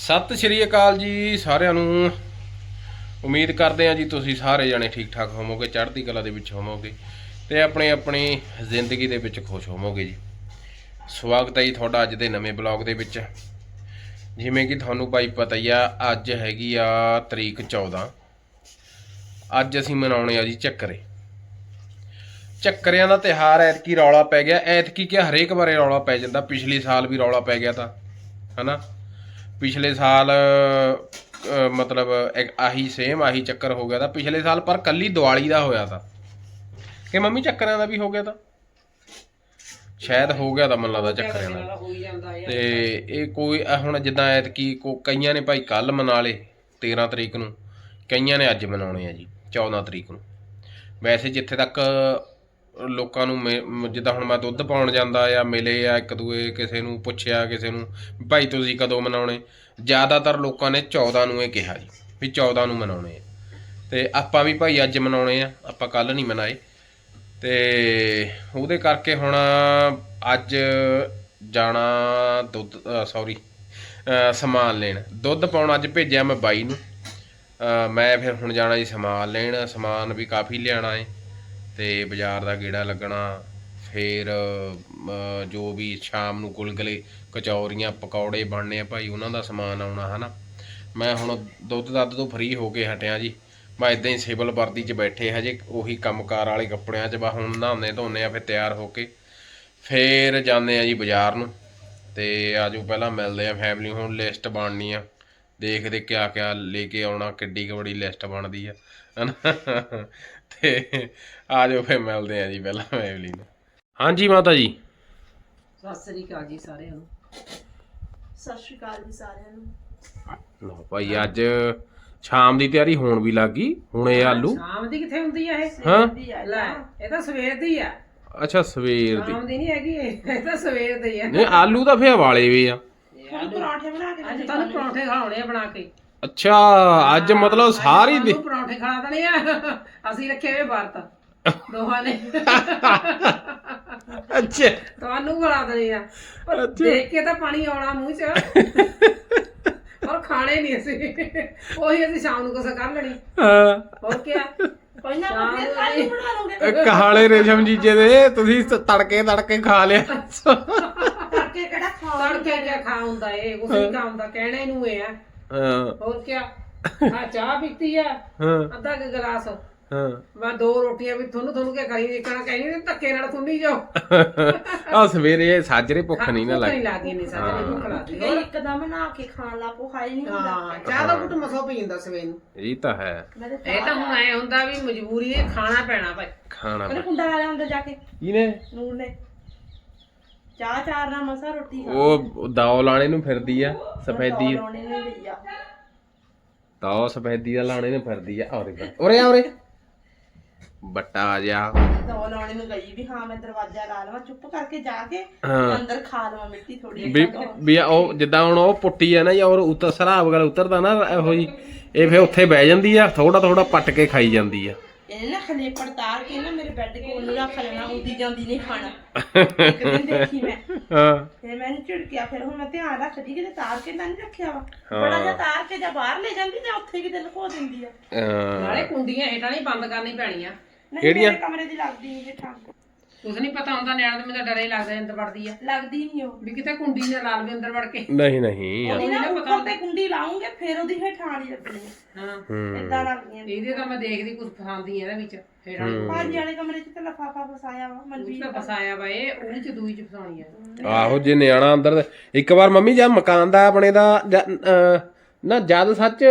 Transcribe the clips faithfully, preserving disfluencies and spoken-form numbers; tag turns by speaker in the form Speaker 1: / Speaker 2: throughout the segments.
Speaker 1: ਸਤਿ ਸ਼੍ਰੀ ਅਕਾਲ ਜੀ ਸਾਰਿਆਂ ਨੂੰ। ਉਮੀਦ ਕਰਦੇ ਹਾਂ ਜੀ ਤੁਸੀਂ ਸਾਰੇ ਜਣੇ ਠੀਕ ਠਾਕ ਹੋਵੋਗੇ, ਚੜ੍ਹਦੀ ਕਲਾ ਦੇ ਵਿੱਚ ਹੋਵੋਗੇ ਤੇ ਆਪਣੀ ਆਪਣੀ ਜ਼ਿੰਦਗੀ ਦੇ ਵਿੱਚ ਖੁਸ਼ ਹੋਵੋਗੇ ਜੀ। ਸਵਾਗਤ ਹੈ ਜੀ ਤੁਹਾਡਾ ਅੱਜ ਦੇ ਨਵੇਂ ਬਲੌਗ ਦੇ ਵਿੱਚ। ਜਿਵੇਂ ਕਿ ਤੁਹਾਨੂੰ ਭਾਈ ਪਤਾ ਹੀ ਆ, ਅੱਜ ਹੈਗੀ ਆ ਤਰੀਕ ਚੌਦਾਂ। ਅੱਜ ਅਸੀਂ ਮਨਾਉਣੇ ਆ ਜੀ ਚੱਕਰੇ। ਚੱਕਰਿਆਂ ਦਾ ਤਿਉਹਾਰ ਐਤਕੀ ਰੌਲਾ ਪੈ ਗਿਆ। ਐਤਕੀ ਕਿ ਹਰੇਕ ਵਾਰੇ ਰੌਲਾ ਪੈ ਜਾਂਦਾ, ਪਿਛਲੇ ਸਾਲ ਵੀ ਰੌਲਾ ਪੈ ਗਿਆ ਤਾਂ ਹਨਾ। ਪਿਛਲੇ ਸਾਲ ਮਤਲਬ ਆਹੀ ਸੇਮ ਆਹੀ ਚੱਕਰ ਹੋ ਗਿਆ ਤਾਂ ਪਿਛਲੇ ਸਾਲ, ਪਰ ਕੱਲੀ ਦੀਵਾਲੀ ਦਾ ਹੋਇਆ ਤਾਂ ਕਿ ਮੰਮੀ ਚੱਕਰਿਆਂ ਦਾ ਵੀ ਹੋ ਗਿਆ ਤਾਂ ਸ਼ਾਇਦ ਹੋ ਗਿਆ ਤਾਂ ਮੈਨੂੰ ਲੱਗਦਾ ਚੱਕਰਿਆਂ ਦਾ। ਤੇ ਇਹ ਕੋਈ ਹੁਣ ਜਿੱਦਾਂ ਐਤਕੀ ਕੋ ਕਈਆਂ ਨੇ ਭਾਈ ਕੱਲ੍ਹ ਮਨਾ ਲਏ ਤੇਰ੍ਹਾਂ ਤਰੀਕ ਨੂੰ, ਕਈਆਂ ਨੇ ਅੱਜ ਮਨਾਉਣੇ ਆ ਜੀ ਚੌਦਾਂ ਤਰੀਕ ਨੂੰ। ਵੈਸੇ ਜਿੱਥੇ ਤੱਕ ਲੋਕਾਂ ਨੂੰ ਮੇ ਜਿੱਦਾਂ ਹੁਣ ਮੈਂ ਦੁੱਧ ਪਾਉਣ ਜਾਂਦਾ ਜਾਂ ਮਿਲੇ ਆ ਇੱਕ ਦੂਏ, ਕਿਸੇ ਨੂੰ ਪੁੱਛਿਆ ਕਿਸੇ ਨੂੰ ਭਾਈ ਤੁਸੀਂ ਕਦੋਂ ਮਨਾਉਣੇ, ਜ਼ਿਆਦਾਤਰ ਲੋਕਾਂ ਨੇ ਚੌਦਾਂ ਨੂੰ ਇਹ ਕਿਹਾ ਜੀ ਵੀ ਚੌਦਾਂ ਨੂੰ ਮਨਾਉਣੇ ਆ। ਅਤੇ ਆਪਾਂ ਵੀ ਭਾਈ ਅੱਜ ਮਨਾਉਣੇ ਆ, ਆਪਾਂ ਕੱਲ੍ਹ ਨਹੀਂ ਮਨਾਏ। ਅਤੇ ਉਹਦੇ ਕਰਕੇ ਹੁਣ ਅੱਜ ਜਾਣਾ ਦੁੱਧ ਸੌਰੀ ਸਮਾਨ ਲੈਣ। ਦੁੱਧ ਪਾਉਣ ਅੱਜ ਭੇਜਿਆ ਮੈਂ ਬਾਈ ਨੂੰ। ਮੈਂ ਫਿਰ ਹੁਣ ਜਾਣਾ ਜੀ ਸਮਾਨ ਲੈਣ। ਸਮਾਨ ਵੀ ਕਾਫੀ ਲਿਆਉਣਾ ਹੈ ਅਤੇ ਬਾਜ਼ਾਰ ਦਾ ਗੇੜਾ ਲੱਗਣਾ। ਫਿਰ ਜੋ ਵੀ ਸ਼ਾਮ ਨੂੰ ਗੁਲਗੁਲੇ ਕਚੌਰੀਆਂ ਪਕੌੜੇ ਬਣਨੇ ਆ ਭਾਈ, ਉਹਨਾਂ ਦਾ ਸਮਾਨ ਆਉਣਾ ਹੈ ਨਾ। ਮੈਂ ਹੁਣ ਦੁੱਧ ਦੱਧ ਤੋਂ ਫਰੀ ਹੋ ਕੇ ਹਟਿਆ ਜੀ। ਮੈਂ ਇੱਦਾਂ ਹੀ ਸਿਵਲ ਵਰਦੀ 'ਚ ਬੈਠੇ ਹਜੇ ਉਹੀ ਕੰਮਕਾਰ ਵਾਲੇ ਕੱਪੜਿਆਂ 'ਚ। ਬਾ ਹੁਣ ਨਹਾਉਂਦੇ ਧੋਂਦੇ ਆ, ਫਿਰ ਤਿਆਰ ਹੋ ਕੇ ਫਿਰ ਜਾਂਦੇ ਆ ਜੀ ਬਾਜ਼ਾਰ ਨੂੰ। ਅਤੇ ਆਜੋ ਪਹਿਲਾਂ ਮਿਲਦੇ ਆ ਫੈਮਿਲੀ। ਹੁਣ ਲਿਸਟ ਬਣਨੀ ਆ, ਦੇਖਦੇ ਕਿਆ ਕਿਆ ਲੈ ਕੇ ਆਉਣਾ, ਕਿੱਡੀ ਕੁ ਬੜੀ ਲਿਸਟ ਬਣਦੀ ਆ ਹੈ ਨਾ। ਅਤੇ ਆ ਜਾਓ ਫਿਰ ਮਿਲਦੇ ਆ ਜੀ ਪਹਿਲਾਂ ਫੈਮਿਲੀ ਨੂੰ। ਹਾਂਜੀ ਮਾਤਾ ਜੀ,
Speaker 2: ਸਤਿ ਸ੍ਰੀ ਅਕਾਲ ਜੀ ਸਾਰਿਆਂ ਨੂੰ।
Speaker 3: ਸਤਿ ਸ਼੍ਰੀ ਅਕਾਲ ਜੀ ਸਾਰਿਆਂ ਨੂੰ।
Speaker 1: ਲਓ ਭਾਈ ਅੱਜ ਸ਼ਾਮ ਦੀ ਤਿਆਰੀ ਹੋਣ ਵੀ ਲੱਗ ਗਈ। ਹੁਣ ਇਹ ਆਲੂ
Speaker 2: ਸ਼ਾਮ ਦੀ ਕਿੱਥੇ ਹੁੰਦੀ ਆ ਇਹ?
Speaker 1: ਹਾਂ
Speaker 2: ਲੈ ਇਹ ਤਾਂ ਸਵੇਰ ਦੀ ਆ।
Speaker 1: ਅੱਛਾ ਸਵੇਰ ਦੀ।
Speaker 2: ਸ਼ਾਮ ਦੀ ਨਹੀਂ ਹੈਗੀ ਇਹ, ਇਹ ਤਾਂ ਸਵੇਰ ਦੀ ਆ।
Speaker 1: ਨਹੀਂ ਆਲੂ ਤਾਂ ਫਿਰ ਵਾਲੇ ਵੀ ਆ।
Speaker 3: ਪਰੌਂਠੇ ਬਣਾ ਕੇ
Speaker 2: ਅੱਜ ਤੁਹਾਨੂੰ ਪਰੌਂਠੇ ਖਾਣੇ ਆ ਬਣਾ ਕੇ।
Speaker 1: ਅੱਛਾ ਅੱਜ ਮਤਲਬ ਸਾਰੀ ਦੀ
Speaker 2: ਪਰੌਂਠੇ ਖਾ ਦੇਣੇ ਆ। ਅਸੀਂ ਰੱਖੇ ਹੋਏ ਵਰਤ ਦੋਹਾਂ ਨੇ।
Speaker 1: ਅੱਛਾ
Speaker 2: ਤੁਹਾਨੂੰ ਖਿਲਾ ਦੇਣੇ ਆ। ਪਰ ਦੇਖ ਕੇ ਤਾਂ ਪਾਣੀ ਆਉਣਾ ਮੂੰਹ 'ਚ, ਪਰ ਖਾਣੇ ਨਹੀਂ ਅਸੀਂ। ਉਹੀ ਅਸੀਂ ਸ਼ਾਮ ਨੂੰ ਕੁਛ ਕਰ ਲੈਣੀ।
Speaker 1: ਹਾਂ
Speaker 2: ਹੋਰ ਕਿਆ
Speaker 3: ਕੋਈ ਨਾ ਫਿਰ ਕੱਲ ਬਣਾ ਲਓਗੇ।
Speaker 1: ਕਾਲੇ ਰੇਸ਼ਮ ਜੀਜੇ ਦੇ ਤੁਸੀਂ ਤੜਕੇ ਤੜਕੇ ਖਾ ਲਿਆ।
Speaker 3: ਕਰਕੇ ਕਿਹੜਾ ਖਾਓ।
Speaker 2: ਤੜਕੇ ਕਿਆ ਖਾ ਹੁੰਦਾ ਇਹ, ਕੁਛ ਨਹੀਂ ਖਾ ਹੁੰਦਾ, ਕਹਿਣੇ ਨੂੰ ਇਹ ਆ।
Speaker 1: ਹਾਂ
Speaker 2: ਹੋਰ ਕਿਆ ਆ ਚਾਹ ਪੀਤੀ ਆ
Speaker 1: ਹਾਂ
Speaker 2: ਅੱਧਾ ਕੁ ਗਲਾਸ।
Speaker 1: ਹਾਂ
Speaker 2: ਮੈਂ ਦੋ ਰੋਟੀਆਂ ਵੀ ਤੁਹਾਨੂੰ ਤੁਹਾਨੂੰ ਕਿਆ ਕਰੀ ਦੇਖਣਾ, ਕਹਿਣੀ ਧੱਕੇ ਨਾਲ ਖੁੰਨੀ ਜਾਓ।
Speaker 1: ਆ ਸਵੇਰੇ ਸਾਜਰੇ ਭੁੱਖ ਨਹੀਂ ਨਾ
Speaker 2: ਨਹੀਂ
Speaker 1: ਲੱਗਦੀ।
Speaker 2: ਲੱਗਦੀ ਨਹੀਂ ਸਾਜਰੇ ਭੁੱਖ ਲੱਗਦੀ।
Speaker 3: ਹੋਰ ਇੱਕਦਮ ਨਹਾ ਕੇ ਖਾਣ ਲਾ ਪੋ ਖਾਈ ਨਹੀਂ ਹੁੰਦਾ।
Speaker 2: ਹਾਂ ਚਾਹ ਦਾ ਘੁੱਟ ਮਸੋ ਪੀ ਜਾਂਦਾ ਸਵੇਰ ਨੂੰ।
Speaker 1: ਇਹ ਤਾਂ ਹੈ,
Speaker 2: ਇਹ ਤਾਂ ਹੁਣ ਐ ਹੁੰਦਾ ਵੀ ਮਜਬੂਰੀ ਹੈ, ਖਾਣਾ ਪੈਣਾ ਭਾਈ।
Speaker 1: ਖਾਣਾ
Speaker 3: ਉਹਨੇ ਕੁੰਡਾ ਲਾ ਲਿਆ ਅੰਦਰ ਜਾ ਕੇ
Speaker 1: ਇਹਨੇ
Speaker 3: ਨੂਰ ਨੇ। ਚਾਹ ਚਾਰ ਨਾਲ ਮਸਾ ਰੋਟੀ ਖਾ।
Speaker 1: ਉਹ ਦਾਉ ਲਾਣੇ ਨੂੰ ਫਿਰਦੀ ਆ ਸਫੈਦੀ।
Speaker 3: ਲਾਉਣੇ ਨੇ ਲਈ ਆ
Speaker 1: ਦਾਉ ਸਫੈਦੀ ਦਾ ਲਾਣੇ ਨੂੰ ਫਿਰਦੀ ਆ। ਔਰੇ ਉਰੇ ਆ ਉਰੇ ਬੱਟਾ ਆ ਜਾ।
Speaker 3: ਦੋ ਲਾਉਣੇ ਨੂੰ ਗਈ ਵੀ ਹਾਂ ਮੈਂ ਦਰਵਾਜ਼ਾ ਲਾ ਲਵਾਂ, ਚੁੱਪ ਕਰਕੇ ਜਾ ਕੇ ਅੰਦਰ ਖਾ ਲਵਾਂ ਮਿੱਟੀ ਥੋੜੀ।
Speaker 1: ਵੀ ਵੀ ਉਹ ਜਿੱਦਾਂ ਹੁਣ ਉਹ ਪੁੱਟੀ ਆ ਨਾ ਜਾਂ ਔਰ ਉੱਤਰ ਸਰਾਬ ਵਗੈਰਾ ਉਤਰਦਾ ਨਾ ਇਹੋ ਜੀ, ਇਹ ਫਿਰ ਉੱਥੇ ਬਹਿ ਜਾਂਦੀ ਆ, ਥੋੜਾ ਥੋੜਾ ਪੱਟ ਕੇ ਖਾਈ ਜਾਂਦੀ ਆ।
Speaker 3: ਇਹਨੇ ਨਾ ਖਲੇਪੜ ਤਾਰ ਕੇ ਨਾ ਮੇਰੇ ਬੈੱਡ ਕੋਲ ਨੂੰ ਰੱਖ ਲੈਣਾ, ਉਦੀ ਜਾਂਦੀ ਨਹੀਂ ਖਾਣਾ। ਇੱਕ ਦਿਨ ਦੇਖੀ ਮੈਂ
Speaker 1: ਹਾਂ
Speaker 3: ਫਿਰ ਮੈਨੂੰ ਝਿੜਕਿਆ। ਫਿਰ ਹੁਣ ਮੈਂ ਧਿਆਨ ਰੱਖਦੀ ਕਿਤੇ ਤਾਰ ਕੇ ਤਾਂ ਨਹੀਂ ਰੱਖਿਆ ਵਾ। ਬੜਾ ਜਿਹਾ ਤਾਰ ਕੇ ਜਾਂ ਬਾਹਰ ਲੈ ਜਾਂਦੀ ਜਾਂ ਉੱਥੇ ਕਿਤੇ ਲੁਕੋ ਦਿੰਦੀ ਆ।
Speaker 2: ਨਾਲੇ ਕੁੰਡੀਆਂ ਹੇਠਾਂ ਨਹੀਂ ਬੰਦ ਕਰਨੀ ਪੈਣੀਆਂ।
Speaker 3: ਨਹੀਂ ਮੇਰੇ ਕਮਰੇ ਦੀ ਲੱਗਦੀ ਨਹੀਂ ਹੇਠਾਂ।
Speaker 2: ਕੁਛ ਨਹੀਂ ਪਤਾ ਹੁੰਦਾ, ਨਿਆਣੇ ਦੇ ਮੈਨੂੰ ਡਰੇ ਲੱਗਦਾ ਅੰਦਰ ਵੜਦੀ ਆ।
Speaker 3: ਲੱਗਦੀ ਨਹੀਂ ਉਹ
Speaker 2: ਵੀ ਕਿਤੇ ਕੁੰਡੀ ਨਾ ਲਾ ਲਵੇ ਅੰਦਰ ਵੜ ਕੇ।
Speaker 1: ਨਹੀਂ ਨਹੀਂ
Speaker 3: ਉਹਦੀ ਨਾ ਉੱਪਰ ਤੇ ਕੁੰਡੀ ਲਾਉਂਗੇ ਫਿਰ ਉਹਦੀ ਹੇਠਾਂ ਵਾਲੀ ਲੱਗਣੀ ਆ।
Speaker 2: ਹਾਂ
Speaker 3: ਏਦਾਂ ਲੱਗਦੀਆਂ
Speaker 2: ਇਹਦੇ ਤਾਂ ਮੈਂ ਦੇਖਦੀ ਕੁਛ ਫਸਾਉਂਦੀ ਇਹਦੇ ਵਿੱਚ ਹੇਠਾਂ ਨੂੰ।
Speaker 3: ਪੰਜ ਵਾਲੇ ਕਮਰੇ 'ਚ ਤਾਂ ਲਫਾਫਾ ਫਸਾਇਆ ਵਾ
Speaker 2: ਉਸ
Speaker 3: ਮਨਵੀਰ
Speaker 2: ਤਾਂ ਫਸਾਇਆ ਵਾ ਇਹ, ਉਹਦੇ ਚ ਦੂਈ ਚ ਫਸਾਉਣੀ ਆ।
Speaker 1: ਆਹੋ ਜੇ ਨਿਆਣਾ ਅੰਦਰ। ਇੱਕ ਵਾਰ ਮੰਮੀ ਜਦ ਮਕਾਨ ਦਾ ਆਪਣੇ ਦਾ ਨਾ ਜਦ ਸੱਚ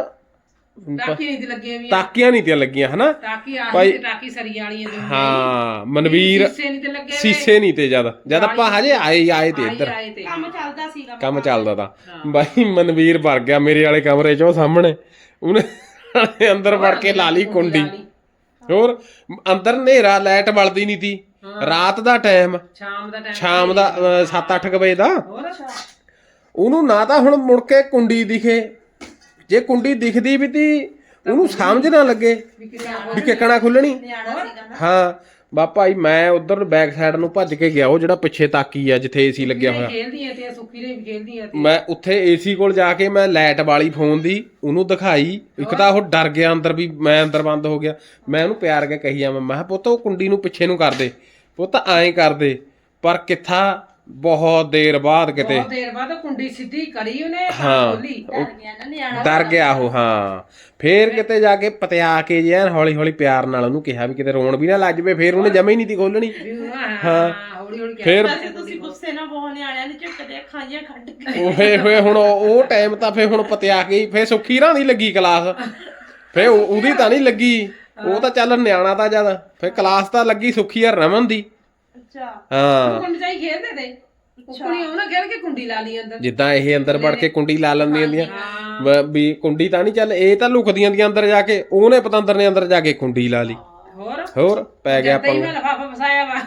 Speaker 2: ਟਾਕੀ ਨਹੀਂ ਤੇ ਲੱਗੀਆਂ ਵੀ।
Speaker 1: ਤਾਕੀਆਂ ਨਹੀਂ ਤੇ ਲੱਗੀਆਂ ਹਨਾ।
Speaker 2: ਟਾਕੀ ਆਹੀ ਤੇ ਟਾਕੀ ਸਰੀਆਂ ਵਾਲੀਆਂ ਦੋਨੋਂ।
Speaker 1: ਹਾਂ ਮਨਵੀਰ
Speaker 2: ਸੀਸੇ ਨਹੀਂ ਤੇ ਲੱਗੇ।
Speaker 1: ਸੀਸੇ ਨਹੀਂ ਤੇ ਜਦ ਜਦ ਆਪਾਂ ਹਜੇ ਆਏ ਆਏ ਤੇ ਇੱਧਰ
Speaker 2: ਆਏ ਤੇ
Speaker 3: ਕੰਮ ਚੱਲਦਾ ਸੀਗਾ।
Speaker 1: ਕੰਮ ਚੱਲਦਾ ਤਾਂ ਬਾਈ ਮਨਵੀਰ ਵੜ ਗਿਆ ਮੇਰੇ ਵਾਲੇ ਕਮਰੇ 'ਚ, ਉਹ ਸਾਹਮਣੇ ਉਹਨੇ ਅੰਦਰ ਵੜ ਕੇ ਲਾ ਲਈ ਕੁੰਡੀ। ਹੋਰ ਅੰਦਰ ਹਨੇਰਾ, ਲਾਈਟ ਬਲਦੀ ਨਹੀਂ ਤੀ, ਰਾਤ ਦਾ ਟਾਈਮ,
Speaker 2: ਸ਼ਾਮ ਦਾ ਟਾਈਮ,
Speaker 1: ਸ਼ਾਮ ਦਾ ਸੱਤ ਅੱਠ ਵਜੇ ਦਾ।
Speaker 2: ਹੋਰ
Speaker 1: ਉਹਨੂੰ ਨਾ ਤਾਂ ਹੁਣ ਮੁੜ ਕੇ ਕੁੰਡੀ ਦਿਖੇ, ਜੇ ਕੁੰਡੀ ਦਿਖਦੀ ਵੀ ਤੀ ਉਹਨੂੰ ਸਮਝ ਨਾ ਲੱਗੇ ਵੀ ਕਿੱਕਣਾ ਖੁੱਲਣੀ।
Speaker 3: ਨਿਆਣਾ ਸੀਗਾ ਨਾ।
Speaker 1: ਹਾਂ ਬਾ ਭਾਈ ਮੈਂ ਉਧਰ ਬੈਕ ਸਾਈਡ ਨੂੰ ਭੱਜ ਕੇ ਗਿਆ ਉਹ ਜਿਹੜਾ ਪਿੱਛੇ ਤਾਕੀ ਆ ਜਿੱਥੇ ਏਸੀ ਲੱਗਿਆ ਹੋਇਆ
Speaker 2: ਖੇਲਦੀਆਂ ਤੇ ਸੁੱਖੀ ਨੇ ਵੀ ਖੇਲਦੀਆਂ ਤੇ
Speaker 1: ਮੈਂ ਉੱਥੇ ਏਸੀ ਕੋਲ ਜਾ ਕੇ ਮੈਂ ਲਾਈਟ ਵਾਲੀ ਫੋਨ ਦੀ ਉਹਨੂੰ ਦਿਖਾਈ ਇੱਕ ਤਾਂ ਉਹ ਡਰ ਗਿਆ ਅੰਦਰ ਵੀ ਮੈਂ ਅੰਦਰ ਬੰਦ ਹੋ ਗਿਆ ਮੈਂ ਉਹਨੂੰ ਪਿਆਰ ਕੇ ਕਹੀ ਜਾਵਾਂ ਮੈਂ ਕਿਹਾ ਪੁੱਤ ਉਹ ਕੁੰਡੀ ਨੂੰ ਪਿੱਛੇ ਨੂੰ ਕਰ ਦੇ ਪੁੱਤ ਐਂ ਕਰ ਦੇ ਪਰ ਕਿੱਥਾ ਬਹੁਤ ਦੇਰ ਬਾਅਦ ਕਿਤੇ
Speaker 2: ਬਹੁਤ ਦੇਰ ਬਾਅਦ ਕੁੰਡੀ ਸਿੱਧੀ ਕਰੀ ਉਹਨੇ
Speaker 1: ਹਾਂ
Speaker 2: ਖੋਲੀ
Speaker 3: ਡਰ ਗਿਆ ਨਾ ਨਿਆਣਾ
Speaker 1: ਡਰ ਗਿਆ ਉਹ ਹਾਂ ਫੇਰ ਕਿਤੇ ਜਾ ਕੇ ਪਤਿਆ ਕੇ ਜੇ ਹੌਲੀ ਹੌਲੀ ਪਿਆਰ ਨਾਲ ਉਹਨੂੰ ਕਿਹਾ ਵੀ ਕਿਤੇ ਰੋਣ ਵੀ ਨਾ ਲੱਜ ਪਏ ਫੇਰ ਉਹਨੇ ਜਮੇ ਹੀ ਨਹੀਂ ਤੀ ਖੋਲਣੀ
Speaker 2: ਹਾਂ ਹੌਲੀ ਹੌਲੀ
Speaker 1: ਫੇਰ
Speaker 3: ਵੈਸੇ ਤੁਸੀਂ ਗੁੱਸੇ ਨਾਲ ਬਹੁਤ ਨਿਆਣਿਆਂ ਨੂੰ ਝੁੱਟਦੇ ਖਾਈਆਂ ਕੱਢ ਕੇ
Speaker 1: ਉਹੇ ਹੋਏ ਹੁਣ ਉਹ ਟਾਈਮ ਤਾਂ ਫੇਰ ਹੁਣ ਪਤਿਆ ਕੇ ਫੇਰ ਸੁੱਖੀ ਰਾਂ ਦੀ ਲੱਗੀ ਕਲਾਸ ਫੇਰ ਉਹਦੀ ਤਾਂ ਨਹੀਂ ਲੱਗੀ ਉਹ ਤਾਂ ਚੱਲ ਨਿਆਣਾ ਤਾਂ ਜਦ ਫੇਰ ਕਲਾਸ ਤਾਂ ਲੱਗੀ ਸੁੱਖੀ ਆ ਰਮਨ ਦੀ
Speaker 3: ਅੱਛਾ
Speaker 1: ਹਾਂ
Speaker 2: ਕੁੰਡੀ ਚਾਈ ਖੇਲਦੇ ਤੇ ਕੁੜੀ ਉਹ ਨਾ ਖੇਲ ਕੇ ਕੁੰਡੀ ਲਾ ਲਈ ਅੰਦਰ
Speaker 1: ਜਿੱਦਾਂ ਇਹ ਅੰਦਰ ਵੜ ਕੇ ਕੁੰਡੀ ਲਾ ਲੈਂਦੀਆਂ ਹੁੰਦੀਆਂ ਬ- ਵੀ ਕੁੰਡੀ ਤਾਂ ਨਹੀਂ ਚੱਲ ਇਹ ਤਾਂ ਲੁਕਦੀਆਂ ਦੀਆਂ ਅੰਦਰ ਜਾ ਕੇ ਉਹਨੇ ਪਤੰਦਰ ਨੇ ਅੰਦਰ ਜਾ ਕੇ ਕੁੰਡੀ ਲਾ ਲਈ
Speaker 2: ਹੋਰ
Speaker 1: ਹੋਰ ਪੈ ਗਿਆ
Speaker 2: ਤੇ ਹੀ
Speaker 1: ਪੰਗਾ
Speaker 2: ਮੈਂ ਲਫਾਫਾ ਫਸਾਇਆ ਵਾ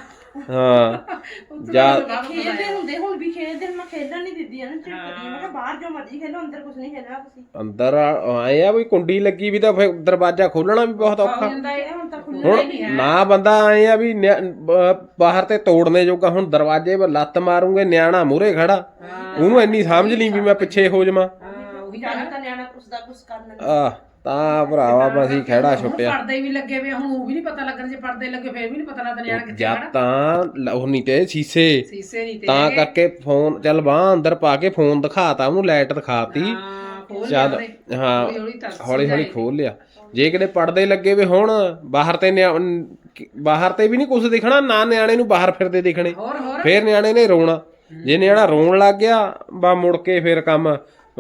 Speaker 1: ਹਾਂ ਜਾ
Speaker 3: ਖੇਡਦੇ ਹੁੰਦੇ ਹੁਣ ਵੀ ਖੇਡਦੇ ਮੈਂ ਖੇਡਣ ਨਹੀਂ ਦਿੰਦੀ ਨਾ ਝੁੱਟਦੀ ਮੈਂ ਕਿਹਾ ਬਾਹਰ ਜੋ ਮਰਜ਼ੀ ਖੇਲੋ ਅੰਦਰ ਕੁਝ ਨਹੀਂ ਖੇਡਣਾ ਤੁਸੀਂ
Speaker 1: ਅੰਦਰ ਆਏ ਆ ਵੀ ਕੁੰਡੀ ਲੱਗੀ ਵੀ ਤਾਂ ਫਿਰ ਦਰਵਾਜ਼ਾ ਖੋਲਣਾ ਵੀ ਬਹੁਤ ਔਖਾ
Speaker 2: ਜਾਂਦਾ ਇਹ
Speaker 3: ਹੁਣ ਤਾਂ ਖੁੱਲ੍ਹ
Speaker 1: ਹੁਣ ਨਾ ਬੰਦਾ ਆਏ ਆ ਵੀ ਨਿਆ- ਬ- ਬਾਹਰ ਤੇ ਤੋੜਨੇ ਜੋਗਾ ਹੁਣ ਦਰਵਾਜ਼ੇ 'ਤੇ ਲੱਤ ਮਾਰੂਗੇ ਨਿਆਣਾ ਮੂਹਰੇ ਖੜਾ ਉਹਨੂੰ ਇੰਨੀ ਸਮਝ ਨਹੀਂ ਵੀ ਮੈਂ ਪਿੱਛੇ ਹੋ ਜਾਵਾਂ
Speaker 2: ਹਾਂ ਉਹੀ
Speaker 3: ਜਾਣਾ ਤਾਂ ਨਿਆਣਾ ਕੁਛ ਦਾ ਕੁਛ ਕਰ ਲੈਂਦਾ
Speaker 1: ਆ ਤਾਂ ਭਰਾਵਾ ਅਸੀਂ ਖੜਾ ਛੁੱਟਿਆ
Speaker 2: ਪਰਦੇ ਵੀ ਲੱਗੇ ਵੇ ਹੁਣ ਉਹ ਵੀ ਨਹੀਂ ਪਤਾ ਲੱਗਣ ਜੇ ਪਰਦੇ ਲੱਗੇ ਫੇਰ ਵੀ ਨਹੀਂ ਪਤਾ ਲੱਗਦਾ ਨਿਆਣਾ ਕਿੱਥੇ
Speaker 1: ਜਦ ਤਾਂ ਲ- ਉਹ ਨਹੀਂ ਤੇ ਸ਼ੀਸ਼ੇ
Speaker 2: ਸੀਸੇ ਨਹੀਂ ਤੇ
Speaker 1: ਤਾਂ ਕਰਕੇ ਫੋਨ ਚੱਲ ਬਾਹ ਅੰਦਰ ਪਾ ਕੇ ਫੋਨ ਦਿਖਾਤਾ ਉਹਨੂੰ ਲਾਈਟ ਦਿਖਾਤੀ
Speaker 2: ਹਾਂ ਖੋਲ
Speaker 1: ਚੱਲ ਹਾਂ
Speaker 2: ਹੌਲੀ ਹੌਲੀ ਤਰਸ
Speaker 1: ਹੌਲੀ ਹੌਲੀ ਖੋਲ ਲਿਆ ਜੇ ਕਿਤੇ ਪੜਦੇ ਲੱਗੇ ਵੇ ਹੁਣ ਬਾਹਰ ਤੇ ਨਿਆ- ਬਾਹਰ ਤੇ ਵੀ ਨਹੀਂ ਕੁਝ ਦਿਖਣਾ ਨਾ ਨਿਆਣੇ ਨੂੰ ਬਾਹਰ ਫਿਰਦੇ ਦਿਖਣੇ
Speaker 2: ਹੋਰ ਹੋਰ
Speaker 1: ਫੇਰ ਨਿਆਣੇ ਨੇ ਰੋਣਾ ਜੇ ਨਿਆਣਾ ਰੋਣ ਲੱਗ ਗਿਆ ਬਾ ਮੁੜ ਕੇ ਫੇਰ ਕੰਮ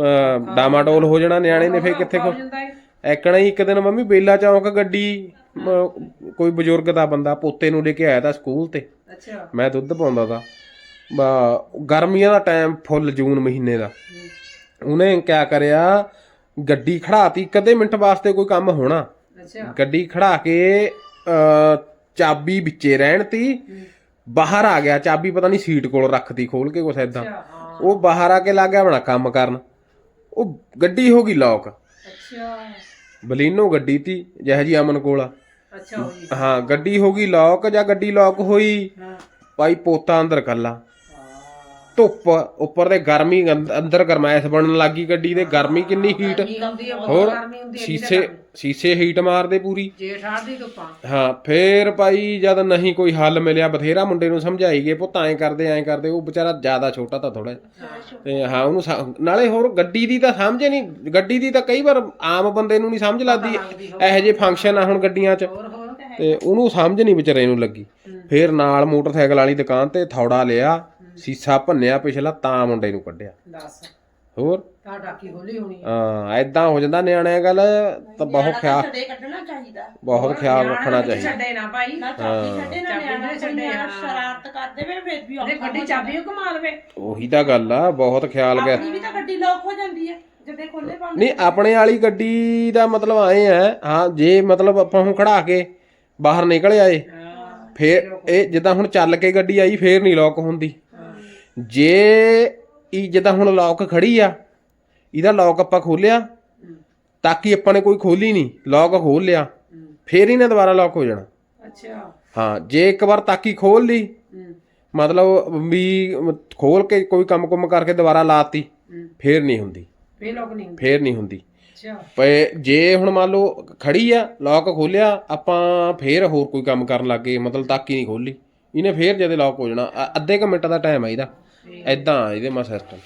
Speaker 1: ਡਾਮਾਡੋਲ ਹੋ ਜਾਣਾ ਨਿਆਣੇ ਨੇ ਫੇਰ ਕਿੱਥੇ
Speaker 2: ਹੋ ਜਾਂਦਾ ਹੈ
Speaker 1: ਐਕਣਾ ਹੀ ਇੱਕ ਦਿਨ ਮੰਮੀ ਬੇਲਾ ਚੌਂਕ ਗੱਡੀ ਮ- ਕੋਈ ਬਜ਼ੁਰਗ ਦਾ ਬੰਦਾ ਪੋਤੇ ਨੂੰ ਲੈ ਕੇ ਆਇਆ ਤਾਂ ਸਕੂਲ ਤੇ
Speaker 2: ਅੱਛਾ
Speaker 1: ਮੈਂ ਦੁੱਧ ਪਾਉਂਦਾ ਤਾ ਬਾ ਗਰਮੀਆਂ ਦਾ ਟਾਈਮ ਫੁੱਲ ਜੂਨ ਮਹੀਨੇ ਦਾ ਉਹਨੇ ਕਿਆ ਕਰਿਆ ਗੱਡੀ ਖੜਾਤੀ ਕਦੇ ਮਿੰਟ ਵਾਸਤੇ ਕੋਈ ਕੰਮ ਹੋਣਾ
Speaker 2: ਅੱਛਾ
Speaker 1: ਗੱਡੀ ਖੜਾ ਕੇ ਅ ਚਾਬੀ ਵਿੱਚੇ ਰਹਿਣ ਤੀ ਬਾਹਰ ਆ ਗਿਆ ਚਾਬੀ ਪਤਾ ਨਹੀਂ ਸੀਟ ਕੋਲ ਰੱਖਤੀ ਖੋਲ ਕੇ ਕੁਛ ਏਦਾਂ
Speaker 2: ਅੱਛਾ ਹਾਂ
Speaker 1: ਉਹ ਬਾਹਰ ਆ ਕੇ ਲੱਗ ਗਿਆ ਆਪਣਾ ਕੰਮ ਕਰਨ ਉਹ ਗੱਡੀ ਹੋ ਗਈ ਲੌਕ
Speaker 2: ਅੱਛਾ
Speaker 1: ਬਲੀਨੋ ਗੱਡੀ ਤੀ ਜਿਹੋ ਜੀ ਅਮਨ ਕੋਲ ਆ
Speaker 2: ਅੱਛਾ ਹੋਈ
Speaker 1: ਹਾਂ ਗੱਡੀ ਹੋ ਗਈ ਲੌਕ ਜਾਂ ਗੱਡੀ ਲੌਕ ਹੋਈ
Speaker 2: ਹਾਂ
Speaker 1: ਭਾਈ ਪੋਤਾ ਅੰਦਰ ਕੱਲਾ ਧੁੱਪ ਉੱਪਰ ਤੇ ਗਰਮੀ ਅੰਦ- ਅੰਦਰ ਗਰਮੈਸ਼ ਬਣਨ ਲੱਗੀ ਗੱਡੀ ਦੇ ਗਰਮੀ ਕਿੰਨੀ ਹੀਟ
Speaker 2: ਗਰਮੀ ਆਉਂਦੀ ਆ ਬਹੁਤ
Speaker 1: ਹੋਰ
Speaker 2: ਗਰਮੀ ਹੁੰਦੀ ਹੈ
Speaker 1: ਸ਼ੀਸ਼ੇ ਸ਼ੀਸ਼ੇ ਹੀਟ ਮਾਰਦੇ ਪੂਰੀ
Speaker 2: ਜੇਠ ਆੜ ਦੀ ਧੁੱਪਾਂ
Speaker 1: ਹਾਂ ਫੇਰ ਭਾਈ ਜਦ ਨਹੀਂ ਕੋਈ ਹੱਲ ਮਿਲਿਆ ਬਥੇਰਾ ਮੁੰਡੇ ਨੂੰ ਸਮਝਾਈ ਗਏ ਪੁੱਤ ਐਂ ਕਰਦੇ ਐਂ ਕਰਦੇ ਉਹ ਵਿਚਾਰਾ ਜ਼ਿਆਦਾ ਛੋਟਾ ਤਾਂ ਥੋੜਾ ਤੇ ਹਾਂ ਉਹਨੂੰ ਸਮ- ਨਾਲੇ ਹੋਰ ਗੱਡੀ ਦੀ ਤਾਂ ਸਮਝ ਨਹੀਂ ਗੱਡੀ ਦੀ ਤਾਂ ਕਈ ਵਾਰ ਆਮ ਬੰਦੇ ਨੂੰ ਨਹੀਂ ਸਮਝ ਲੱਗਦੀ ਇਹੋ ਜਿਹੇ ਫੰਕਸ਼ਨ ਆ ਹੁਣ ਗੱਡੀਆਂ 'ਚ
Speaker 2: ਹੋਰ ਹੋਰ
Speaker 1: ਤੇ ਉਹਨੂੰ ਸਮਝ ਨਹੀਂ ਵਿਚਾਰੇ ਨੂੰ ਲੱਗੀ ਫੇਰ ਨਾਲ ਮੋਟਰਸਾਈਕਲ ਵਾਲੀ ਦੁਕਾਨ ਤੇ ਥੌੜਾ ਲਿਆ ਸੀਸਾ ਭੰਨਿਆ ਪਿਛਲਾ ਤਾਂ ਮੁੰਡੇ ਨੂੰ ਕੱਢਿਆ
Speaker 2: ਦੱਸ
Speaker 1: ਹੋਰ
Speaker 2: ਤਾਂ ਟਾਕੀ ਖੋਲੀ ਹੋਣੀ ਆ।
Speaker 1: ਹਾਂ ਐਦਾਂ ਹੋ ਜਾਂਦਾ ਨਿਆਣਿਆਂ ਗੱਲ ਤਾਂ ਬਹੁਤ ਖਿਆਲ
Speaker 3: ਛੱਡੇ ਕੱਢਣਾ ਚਾਹੀਦਾ
Speaker 1: ਬਹੁਤ ਖਿਆਲ
Speaker 2: ਨਿਆਣਾ
Speaker 1: ਰੱਖਣਾ
Speaker 2: ਵਿੱਚ
Speaker 1: ਚਾਹੀਦਾ
Speaker 2: ਛੱਡੇ ਨਾ ਭਾਈ
Speaker 3: ਨਾ ਚਾਬੀ ਛੱਡੇ ਨਾ
Speaker 2: ਚਾਬੀ
Speaker 3: ਨਿਆਣਾ
Speaker 2: ਨਾ ਛੱਡੇ,
Speaker 3: ਨਿਆਣਾ
Speaker 2: ਹਾਂ।
Speaker 3: ਸ਼ਰਾਰਤ ਕਰਦੇ ਵੇ ਫਿਰ ਵੀ
Speaker 2: ਉਹਦੇ
Speaker 3: ਔਖਾ
Speaker 2: ਗੱਡੀ ਚਾਬੀ ਉਹ ਘੁਮਾ ਲਵੇ
Speaker 1: ਉਹੀ ਤਾਂ ਗੱਲ ਆ ਬਹੁਤ ਖਿਆਲ ਗਿਆ
Speaker 3: ਆਪਣੀ ਵੀ ਤਾਂ ਗੱਡੀ ਲੋਕ ਹੋ ਜਾਂਦੀ ਹੈ ਜਦੇ ਖੋਲੇ ਪਾਉਂਦੇ
Speaker 1: ਨਹੀਂ ਆਪਣੇ ਵਾਲੀ ਗੱਡੀ ਦਾ ਮਤਲਬ ਆਏ ਆ ਹਾਂ ਜੇ ਮਤਲਬ ਆਪਾਂ ਹੁਣ ਖੜਾ ਕੇ ਬਾਹਰ ਨਿਕਲ ਆਏ ਫੇਰ ਇਹ ਜਿੱਦਾਂ ਹੁਣ ਚੱਲ ਕੇ ਗੱਡੀ ਆਈ ਫੇਰ ਨਹੀਂ ਲੌਕ ਹੁੰਦੀ ਜੇ ਇਹ ਜਿੱਦਾਂ ਹੁਣ ਲੌਕ ਖੜੀ ਆ ਇਹਦਾ ਲੌਕ ਆਪਾਂ ਖੋਲਿਆ ਤਾਂ ਕਿ ਆਪਾਂ ਨੇ ਕੋਈ ਖੋਲੀ ਨਹੀਂ ਲੌਕ ਖੋਲ ਲਿਆ ਫੇਰ ਇਹਨੇ ਦੁਬਾਰਾ ਲੌਕ ਹੋ ਜਾਣਾ
Speaker 2: ਅੱਛਾ
Speaker 1: ਹਾਂ ਜੇ ਇੱਕ ਵਾਰ ਤਾਕੀ ਖੋਲ ਲਈ ਮਤਲਬ ਵੀ ਖੋਲ ਕੇ ਕੋਈ ਕੰਮ ਕੁਮ ਕਰਕੇ ਦੁਬਾਰਾ ਲਾਤੀ ਫੇਰ ਨਹੀਂ ਹੁੰਦੀ
Speaker 2: ਫੇਰ ਲੋਕ ਨਹੀਂ ਹੁੰਦੇ
Speaker 1: ਫੇਰ ਨਹੀਂ ਹੁੰਦੀ
Speaker 2: ਅੱਛਾ
Speaker 1: ਪਏ ਜੇ ਹੁਣ ਮੰਨ ਲਓ ਖੜੀ ਆ ਲੌਕ ਖੋਲਿਆ ਆਪਾਂ ਫੇਰ ਹੋਰ ਕੋਈ ਕੰਮ ਕਰਨ ਲੱਗੇ ਮਤਲਬ ਤਾਕੀ ਨਹੀਂ ਖੋਲੀ ਇਹਨੇ ਫੇਰ ਜਦੇ ਲੌਕ ਹੋ ਜਾਣਾ ਅ- ਅੱਧੇ ਕੁ ਮਿੰਟ ਦਾ ਟਾਈਮ ਆ ਇਹਦਾ ਐਦਾਂ ਇਹਦੇ ਮਾ ਸਿਸਟਮ